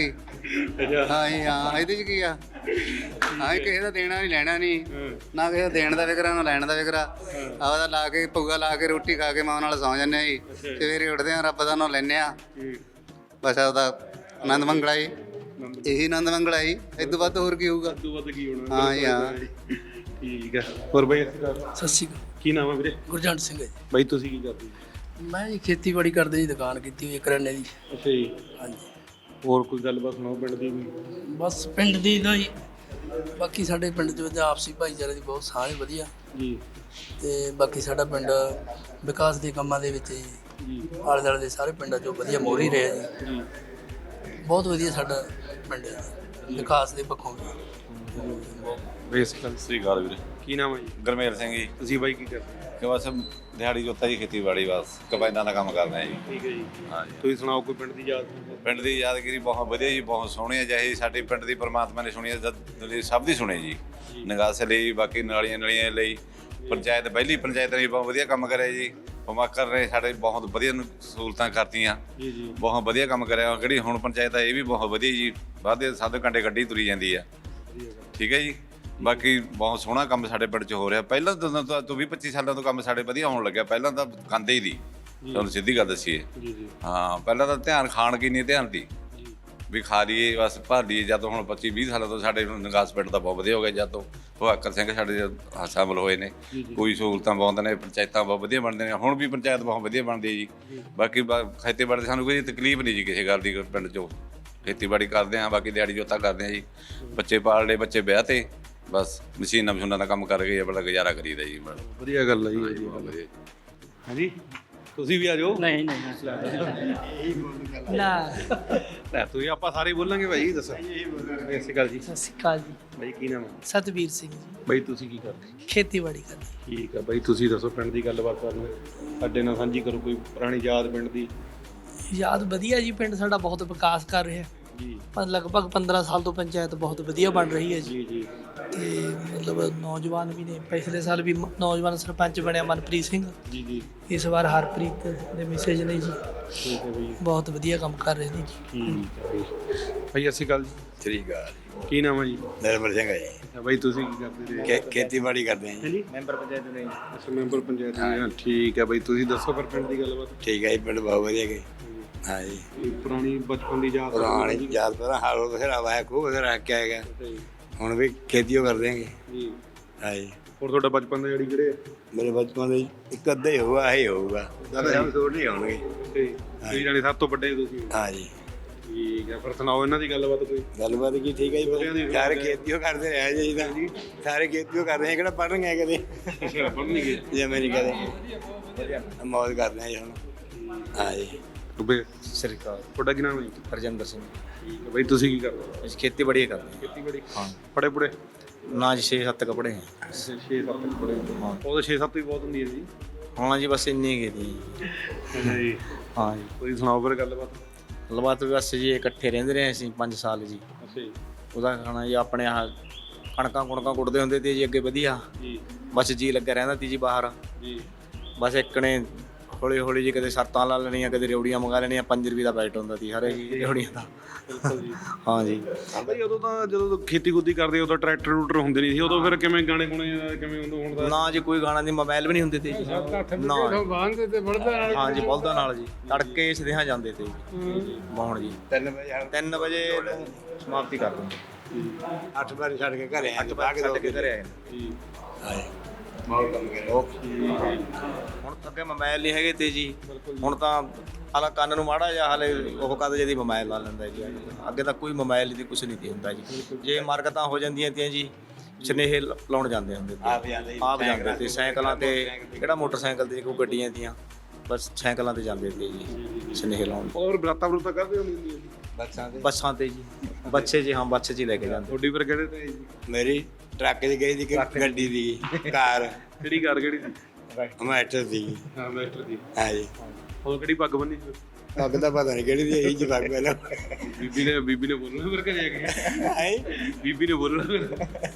D: ਹਾਂ ਜੀ ਹਾਂ, ਇਹਦੇ 'ਚ ਕੀ ਆ, ਹਾਂ ਕਿਸੇ ਦਾ ਦੇਣਾ ਨਹੀਂ ਲੈਣਾ ਨਹੀਂ, ਨਾ ਕਿਸੇ ਦਾ ਦੇਣ ਦਾ ਫਿਕਰ ਆ ਨਾ ਲੈਣ ਦਾ ਫਿਕਰ ਆ। ਆਪਦਾ ਲਾ ਕੇ ਭੁੱਗਾ ਲਾ ਕੇ ਰੋਟੀ ਖਾ ਕੇ ਮਾਂ ਨਾਲ ਸੌਂ ਜਾਂਦੇ ਆ ਜੀ, ਸਵੇਰੇ ਉੱਠਦੇ ਆ ਰੱਬ ਦਾ ਨਾਂ ਲੈਂਦੇ ਆ, ਬਸ ਆਪਦਾ ਆਨੰਦ ਮੰਗਲਾ ਜੀ, ਇਹੀ ਆਨੰਦ ਮੰਗਲਾ ਜੀ, ਇਹ ਤੋਂ ਵੱਧ ਹੋਰ ਕੀ ਹੋਊਗਾ।
A: ਤੋਂ ਵੱਧ ਕੀ ਹੋਣਾ।
D: ਹਾਂ ਜੀ ਹਾਂ।
A: ਠੀਕ ਹੈ। ਹੋਰ ਬਾਈ
G: ਸਤਿ ਸ਼੍ਰੀ ਅਕਾਲ।
A: ਕੀ ਨਾਮ ਹੈ ਵੀਰੇ?
G: ਗੁਰਜੰਟ ਸਿੰਘ ਹੈ ਜੀ।
A: ਬਾਈ ਤੁਸੀਂ ਕੀ ਕਰਦੇ?
G: ਮੈਂ ਜੀ ਖੇਤੀਬਾੜੀ ਕਰਦੇ ਜੀ, ਦੁਕਾਨ ਕੀਤੀ ਹੋਈ ਹੈ ਕਰਿਆਨੇ ਦੀ।
A: ਅੱਛਾ ਜੀ।
G: ਹਾਂਜੀ।
A: ਹੋਰ ਕੋਈ ਗੱਲਬਾਤ ਸੁਣਾਓ ਪਿੰਡ ਦੀ ਵੀ।
G: ਬਸ ਪਿੰਡ ਦੀ ਦਾ ਜੀ, ਬਾਕੀ ਸਾਡੇ ਪਿੰਡ 'ਚ ਵਿੱਚ ਆਪਸੀ ਭਾਈਚਾਰੇ ਦੀ ਬਹੁਤ ਸਾਂਝ ਵਧੀਆ
A: ਜੀ
G: ਤੇ ਬਾਕੀ ਸਾਡਾ ਪਿੰਡ ਵਿਕਾਸ ਦੇ ਕੰਮਾਂ ਦੇ ਵਿੱਚ ਜੀ ਆਲੇ ਦੁਆਲੇ ਦੇ ਸਾਰੇ ਪਿੰਡਾਂ 'ਚੋਂ ਵਧੀਆ ਮੋਹਰੀ ਰਿਹਾ ਜੀ।
A: ਜੀ
G: ਬਹੁਤ ਵਧੀਆ ਸਾਡਾ ਪਿੰਡ ਹੈ ਜੀ, ਵਿਕਾਸ ਦੇ ਪੱਖੋਂ ਵੀ।
A: ਬੇਸਿਕਲ
H: ਸ੍ਰੀ ਅਕਾਲ ਵੀਰੇ।
A: ਕੀ ਨਾਮ ਹੈ ਜੀ?
H: ਗਰਮੇਲ ਸਿੰਘ ਜੀ।
A: ਤੁਸੀਂ ਬਾਈ ਕੀ ਕਰਦੇ?
H: ਕਿ ਬਸ ਦਿਹਾੜੀ ਜੋਤਾ ਜੀ, ਖੇਤੀਬਾੜੀ ਬਸ ਕਬਾਇਦਾਂ ਦਾ ਕੰਮ ਕਰਦੇ ਆ ਜੀ।
A: ਠੀਕ ਹੈ ਜੀ।
H: ਹਾਂ ਜੀ।
A: ਤੁਸੀਂ ਸੁਣਾਓ ਕੋਈ ਪਿੰਡ ਦੀ ਯਾਦ?
H: ਪਿੰਡ ਦੀ ਯਾਦਗਿਰੀ ਬਹੁਤ ਵਧੀਆ ਜੀ, ਬਹੁਤ ਸੋਹਣੀ ਹੈ। ਜਿਹੇ ਸਾਡੇ ਪਿੰਡ ਦੀ ਪਰਮਾਤਮਾ ਨੇ ਸੁਣੀ ਹੈ, ਜਦ ਲਈ ਸਭ ਦੀ ਸੁਣੀ ਜੀ। ਨਿਗਾਸ ਲਈ, ਬਾਕੀ ਨਾਲੀਆਂ ਨਲੀਆਂ ਲਈ, ਪੰਚਾਇਤ ਪਹਿਲੀ ਪੰਚਾਇਤ ਨੇ ਬਹੁਤ ਵਧੀਆ ਕੰਮ ਕਰਿਆ ਜੀ। ਪਮਾਕਰ ਨੇ ਸਾਡੇ ਬਹੁਤ ਵਧੀਆ ਸਹੂਲਤਾਂ ਕਰਤੀਆਂ
A: ਜੀ ਜੀ।
H: ਬਹੁਤ ਵਧੀਆ ਕੰਮ ਕਰਿਆ। ਕਿਹੜੀ ਹੁਣ ਪੰਚਾਇਤ ਆ ਇਹ ਵੀ ਬਹੁਤ ਵਧੀਆ ਜੀ, ਵਾਧੇ ਸੱਤ ਘੰਟੇ ਗੱਡੀ ਤੁਰੀ ਜਾਂਦੀ ਆ। ਠੀਕ ਹੈ ਜੀ। ਬਾਕੀ ਬਹੁਤ ਸੋਹਣਾ ਕੰਮ ਸਾਡੇ ਪਿੰਡ 'ਚ ਹੋ ਰਿਹਾ। ਪਹਿਲਾਂ ਤਾਂ ਤੋਂ ਵੀਹ ਪੱਚੀ ਸਾਲਾਂ ਤੋਂ ਕੰਮ ਸਾਡੇ ਵਧੀਆ ਹੋਣ ਲੱਗਿਆ। ਪਹਿਲਾਂ ਤਾਂ ਖਾਂਦੇ ਹੀ ਦੀ, ਤੁਹਾਨੂੰ ਸਿੱਧੀ ਗੱਲ ਦੱਸੀਏ।
A: ਜੀ ਜੀ।
H: ਹਾਂ ਪਹਿਲਾਂ ਤਾਂ ਧਿਆਨ ਖਾਣ ਕੀ ਨਹੀਂ ਧਿਆਨ ਦੀ ਵੀ ਖਾ ਲਈਏ ਬਸ ਭਰ ਲਈਏ। ਜਦ ਤੋਂ ਹੁਣ ਪੱਚੀ ਵੀਹ ਸਾਲਾਂ ਤੋਂ ਸਾਡੇ ਨਿਗਾਸ ਪਿੰਡ ਦਾ ਬਹੁਤ ਵਧੀਆ ਹੋ ਗਿਆ। ਜਦ ਤੋਂ ਭਵਾਕਰ ਸਿੰਘ ਸਾਡੇ ਸ਼ਾਮਲ ਹੋਏ ਨੇ, ਕੋਈ ਸਹੂਲਤਾਂ ਬਹੁਤ ਨੇ, ਪੰਚਾਇਤਾਂ ਬਹੁਤ ਵਧੀਆ ਬਣਦੇ ਨੇ। ਹੁਣ ਵੀ ਪੰਚਾਇਤ ਬਹੁਤ ਵਧੀਆ ਬਣਦੀ ਹੈ ਜੀ। ਬਾਕੀ ਖੇਤੀਬਾੜੀ ਦੀ ਸਾਨੂੰ ਕੋਈ ਤਕਲੀਫ ਨਹੀਂ ਜੀ ਕਿਸੇ ਗੱਲ ਦੀ। ਪਿੰਡ 'ਚੋਂ ਖੇਤੀਬਾੜੀ ਕਰਦੇ ਹਾਂ, ਬਾਕੀ ਦਿਹਾੜੀ ਜੋਤਾ ਕਰਦੇ ਹਾਂ ਜੀ। ਬੱਚੇ ਪਾਲ ਲਏ, ਬੱਚੇ ਵਿਆਹ ਤੇ, ਬਸ ਮਸ਼ੀਨਾਂ ਮਸ਼ੂਨਾਂ ਦਾ ਕੰਮ ਕਰਕੇ ਬੜਾ ਗੁਜ਼ਾਰਾ ਕਰੀਦਾ ਜੀ।
A: ਵਧੀਆ ਗੱਲ ਹੈ ਜੀ, ਵਧੀਆ ਗੱਲ ਹੈ। ਹਾਂਜੀ ਤੁਸੀਂ ਵੀ ਆ ਜਾਓ।
C: ਨਹੀਂ ਨਹੀਂ ਨਾ
A: ਲੈ ਤੁਸੀਂ ਆਪਾਂ ਸਾਰੇ ਬੋਲਾਂਗੇ ਭਾਈ। ਦੱਸੋ। ਸਤਿ ਸ਼੍ਰੀ ਅਕਾਲ ਜੀ।
I: ਸਤਿ ਸ਼੍ਰੀ ਅਕਾਲ ਜੀ।
A: ਬਾਈ ਕੀ ਨਾਮ ਹੈ?
I: ਸਤਬੀਰ ਸਿੰਘ ਜੀ,
A: ਬਾਈ ਤੁਸੀਂ ਕੀ ਕਰਦੇ?
I: ਖੇਤੀਬਾੜੀ ਕਰਦੇ।
A: ਠੀਕ ਹੈ ਬਾਈ, ਤੁਸੀਂ ਦੱਸੋ ਪਿੰਡ ਦੀ ਗੱਲਬਾਤ ਸਾਨੂੰ ਸਾਡੇ ਨਾਲ ਸਾਂਝੀ ਕਰੋ, ਕੋਈ ਪੁਰਾਣੀ ਯਾਦ ਪਿੰਡ ਦੀ।
I: ਯਾਦ ਵਧੀਆ ਜੀ, ਪਿੰਡ ਸਾਡਾ ਬਹੁਤ ਵਿਕਾਸ ਕਰ ਰਿਹਾ
A: ਜੀ
I: ਪਰ ਲਗਭਗ ਪੰਦਰਾਂ ਸਾਲ ਤੋਂ ਪੰਚਾਇਤ ਬਹੁਤ ਵਧੀਆ ਬਣ ਰਹੀ ਹੈ ਜੀ।
A: ਜੀ ਜੀ।
I: ਤੇ ਮਤਲਬ ਨੌਜਵਾਨ ਵੀ ਨੇ, ਪਿਛਲੇ ਸਾਲ ਵੀ ਮ- ਨੌਜਵਾਨ ਸਰਪੰਚ ਬਣਿਆ ਮਨਪ੍ਰੀਤ ਸਿੰਘ,
A: ਜੀ ਜੀ।
I: ਇਸ ਵਾਰ ਹਰਪ੍ਰੀਤ ਦੇ ਮੈਸੇਜ ਨੇ ਜੀ,
A: ਠੀਕ ਹੈ ਬਾਈ।
I: ਬਹੁਤ ਵਧੀਆ ਕੰਮ ਕਰ ਰਹੇ ਨੇ ਜੀ।
A: ਠੀਕ ਹੈ ਬਾਈ। ਭਾਈ ਸਤਿ ਸ਼੍ਰੀ ਅਕਾਲ ਜੀ।
J: ਸ੍ਰੀ ਅਕਾਲ।
A: ਕੀ ਨਾਮ ਹੈ ਜੀ?
J: ਨਿਰਮਲ ਸਿੰਘ ਹੈ ਜੀ।
A: ਅੱਛਾ ਬਾਈ ਤੁਸੀਂ ਕੀ ਕਰਦੇ ਜੀ?
J: ਖੇ- ਖੇਤੀਬਾੜੀ ਕਰਦੇ ਹਾਂ ਜੀ।
A: ਹਾਂਜੀ
E: ਮੈਂਬਰ ਪੰਚਾਇਤ ਨੇ
A: ਅੱਛਾ ਮੈਂਬਰ ਪੰਚਾਇਤ ਜੀ। ਹਾਂ ਠੀਕ ਹੈ ਬਾਈ, ਤੁਸੀਂ ਦੱਸੋ ਫਿਰ ਪਿੰਡ ਦੀ ਗੱਲਬਾਤ।
J: ਠੀਕ ਹੈ ਜੀ, ਪਿੰਡ ਬਹੁਤ ਵਧੀਆ ਗਏ। ਹਾਂ ਜੀ।
A: ਇਹ ਪੁਰਾਣੀ ਬਚਪਨ ਦੀ ਯਾਦ।
J: ਪੁਰਾਣੀ ਯਾਦ ਪਹਿਲਾਂ ਹਾਲ ਬਥੇਰਾ ਵਾਇਆ ਖੂਹ ਬਥੇਰਾ ਰੱਖ ਕੇ ਆਏਗਾ।
A: ਅੱਛਾ ਜੀ।
J: ਹੁਣ ਵੀ ਖੇਤੀ ਓ ਕਰਦੇ ਹੈਗੇ।
A: ਜੀ।
J: ਹਾਂ ਜੀ।
A: ਹੋਰ ਤੁਹਾਡਾ ਬਚਪਨ ਦਾ ਜਿਹੜੀ ਕਿਹੜੇ?
J: ਮੇਰੇ ਬਚਪਨ ਦੇ ਇੱਕ ਅੱਧਾ ਹੀ ਹੋਊਗਾ, ਇਹ ਹੋਊਗਾ। ਸਭ ਛੋੜ ਨਹੀਂ ਆਉਣਗੇ।
A: ਤੁਸੀਂ ਜਾਣੇ ਸਭ ਤੋਂ ਵੱਡੇ ਤੁਸੀਂ।
J: ਹਾਂ ਜੀ।
A: ਠੀਕ ਹੈ, ਫਿਰ ਸੁਣਾਓ ਇਹਨਾਂ ਦੀ ਗੱਲਬਾਤ ਕੋਈ।
J: ਗੱਲਬਾਤ ਕੀ ਠੀਕ ਹੈ ਜੀ। ਸਾਰੇ ਖੇਤੀ ਓ ਕਰਦੇ ਰਹੇ ਜੀ ਤਾਂ ਸਾਰੇ ਖੇਤੀ ਓ ਕਰਦੇ ਆ, ਕਿਹੜਾ ਪੜ੍ਹਨ ਗਏ ਕਦੇ।
A: ਅੱਛਾ ਪੜ੍ਹਨ ਨਹੀਂ ਗਏ।
J: ਜੇ ਮੈਂ ਨਹੀਂ ਕਦੇ ਮੌਜ ਕਰਦੇ ਆ ਜੀ ਹੁਣ। ਹਾਂ ਜੀ।
A: ਡੁੱਬੇ।
E: ਸ੍ਰੀ ਅਕਾਲ।
A: ਤੁਹਾਡਾ ਕੀ ਨਾਮ ਹੈ ਜੀ?
E: ਹਰਜਿੰਦਰ ਸਿੰਘ।
A: ਠੀਕ ਹੈ ਬਾਈ, ਤੁਸੀਂ ਕੀ ਕਰਦੇ ਹੋ?
E: ਅਸੀਂ ਖੇਤੀਬਾੜੀ ਕਰਦੇ
A: ਖੇਤੀਬਾੜੀ।
E: ਹਾਂ।
A: ਪੜੇ ਪੁੜੇ?
E: ਨਾ ਜੀ ਛੇ ਸੱਤ ਕੱਪੜੇ ਹੈ।
A: ਛੇ ਸੱਤ ਪੜੇ।
E: ਹਾਂ।
A: ਉਹ ਤਾਂ ਛੇ ਸੱਤ ਹੀ ਬਹੁਤ ਹੁੰਦੀ ਹੈ ਜੀ।
E: ਹਾਂ ਜੀ, ਬਸ ਇੰਨੀ ਹੀ ਦੀ।
A: ਅੱਛਾ ਜੀ।
E: ਹਾਂ ਜੀ।
A: ਤੁਸੀਂ ਸੁਣਾਓ ਫਿਰ ਗੱਲਬਾਤ।
E: ਗੱਲਬਾਤ ਵੀ ਬਸ ਜੀ ਇਕੱਠੇ ਰਹਿੰਦੇ ਰਹੇ ਅਸੀਂ ਪੰਜ ਸਾਲ ਜੀ।
A: ਅੱਛਾ ਜੀ।
E: ਉਹਦਾ ਖਾਣਾ ਜੀ ਆਪਣੇ ਆਹ ਕਣਕਾਂ ਕੁਣਕਾਂ ਕੁੱਟਦੇ ਹੁੰਦੇ ਤੇ ਜੀ ਅੱਗੇ ਵਧੀਆ।
A: ਜੀ
E: ਬਸ ਜੀ ਲੱਗਿਆ ਰਹਿੰਦਾ ਤੀ ਜੀ ਬਾਹਰ।
A: ਜੀ।
E: ਬਸ ਇੱਕ ਨੇ ਹੌਲੀ ਹੌਲੀ ਜੀ ਕਦੇ ਸਰਤਾਂ ਲਾ ਲੈਣੀਆਂ, ਕਦੇ ਰਿਉੜੀਆਂ ਮੰਗਾ ਲੈਣੀਆਂ। ਪੰਜ ਰੁਪਏ ਦਾ ਪੈਕਟ ਹੁੰਦਾ ਸੀ ਹਰੇ ਜੀ ਰਿਉੜੀਆਂ ਦਾ।
A: ਬਿਲਕੁਲ ਜੀ।
E: ਹਾਂ ਜੀ।
A: ਬਾਈ ਉਦੋਂ ਤਾਂ ਜਦੋਂ ਖੇਤੀ ਖੁੱਦੀ ਕਰਦੇ ਉਦੋਂ ਟਰੈਕਟਰ ਟਰੂਟਰ ਹੁੰਦੇ ਨਹੀਂ ਸੀ। ਉਦੋਂ ਫਿਰ ਕਿਵੇਂ ਗਾਣੇ ਗੁਣੇ ਕਿਵੇਂ ਉਦੋਂ ਹੁਣ ਦਾ?
E: ਨਾ ਜੀ ਕੋਈ ਗਾਣਾ ਨਹੀਂ, ਮੋਬਾਈਲ ਵੀ ਨਹੀਂ ਹੁੰਦੇ ਤੇ ਜੀ। ਨਾ ਹਾਂ ਜੀ, ਬਲਦਾਂ ਨਾਲ ਜੀ ਤੜਕੇ ਸਦੇਹਾਂ ਜਾਂਦੇ ਤੇ ਜੀ ਬਾਉਣ ਜੀ।
J: ਤਿੰਨ ਵਜੇ
E: ਤਿੰਨ ਵਜੇ ਨੂੰ ਸਮਾਪਤੀ ਕਰ ਦਿੰਦੇ।
J: ਅੱਠ ਵਜੇ ਛੱਡ ਕੇ ਘਰੇ ਆ
E: ਅੱਠ ਵਜੇ ਛੱਡ ਕੇ ਘਰੇ ਆਏ ਨੇ।
A: ਜੀ।
J: ਹਾਂ ਜੀ। ਬਹੁਤ ਕੰਮ ਕਰਿਆ।
E: ਹੁਣ ਤਾਂ ਅੱਗੇ ਮੋਬਾਈਲ ਨਹੀਂ ਹੈਗੇ ਤੇ ਜੀ। ਹੁਣ ਤਾਂ ਹਾਲਾ ਕੰਨ ਨੂੰ ਮਾੜਾ ਜਿਹਾ ਹਾਲੇ ਉਹ ਕਦ ਜਦੀ ਮੋਬਾਈਲ ਲਾ ਲੈਂਦਾ ਜੀ। ਅੱਗੇ ਤਾਂ ਕੋਈ ਮੋਬਾਈਲ ਦੀ ਕੁਛ ਨਹੀਂ ਤੇ ਹੁੰਦਾ ਜੀ। ਜੇ ਮਰਕਤਾਂ ਹੋ ਜਾਂਦੀਆਂ ਤੀਆਂ ਜੀ, ਸੁਨੇਹੇ ਲ- ਲਾਉਣ ਜਾਂਦੇ ਹੁੰਦੇ ਤੇ।
J: ਆਪ ਜਾਂਦੇ
E: ਆਪ ਜਾਂਦੇ ਤੇ ਸਾਈਕਲਾਂ ਤੇ, ਕਿਹੜਾ ਮੋਟਰਸਾਈਕਲ ਤੇ ਕੋਈ ਗੱਡੀਆਂ ਤੀਆਂ, ਬਸ ਸਾਈਕਲਾਂ ਤੇ ਜਾਂਦੇ ਤੇ ਜੀ ਸੁਨੇਹੇ ਲਾਉਣ।
A: ਹੋਰ ਬਰਾਤਾ ਬਰੂਤਾ ਕਰਦੇ ਹੁੰਦੇ ਹੁੰਦੀ ਸੀ?
J: ਬੱਸਾਂ ਤੇ
E: ਬੱਸਾਂ ਤੇ ਜੀ, ਬੱਚੇ ਜੀ। ਹਾਂ ਬੱਚੇ 'ਚ ਹੀ ਲੈ ਕੇ ਜਾਂਦੇ।
A: ਤੁਹਾਡੀ ਫਿਰ ਕਿਹੜੇ ਤੇ ਜੀ?
J: ਮੇਰੀ ਟਰੱਕ 'ਚ ਗਈ ਸੀ ਕਿ ਗੱਡੀ ਦੀ ਕਾਰ
A: ਕਿਹੜੀ ਕਾਰ ਕਿਹੜੀ ਸੀ?
J: ਮੈਟਰ ਦੀ।
A: ਹਾਂ ਮਾਸਟਰ ਦੀ।
J: ਹਾਂ ਜੀ।
A: ਉਹ ਕਿਹੜੀ ਪੱਗ ਬੰਨੀ ਸੀ?
J: ਪੱਗ ਦਾ ਪਤਾ ਨਹੀਂ ਕਿਹੜੀ ਦੀ ਇਹੀ ਜੀ ਪੱਗ ਪਹਿਲਾਂ।
A: ਬੀਬੀ ਨੇ ਬੀਬੀ ਨੇ ਬੋਲਣਾ ਫਿਰ ਘਰੇ ਆ ਕੇ।
J: ਹੈ
A: ਬੀਬੀ ਨੇ ਬੋਲਣਾ ਫਿਰ।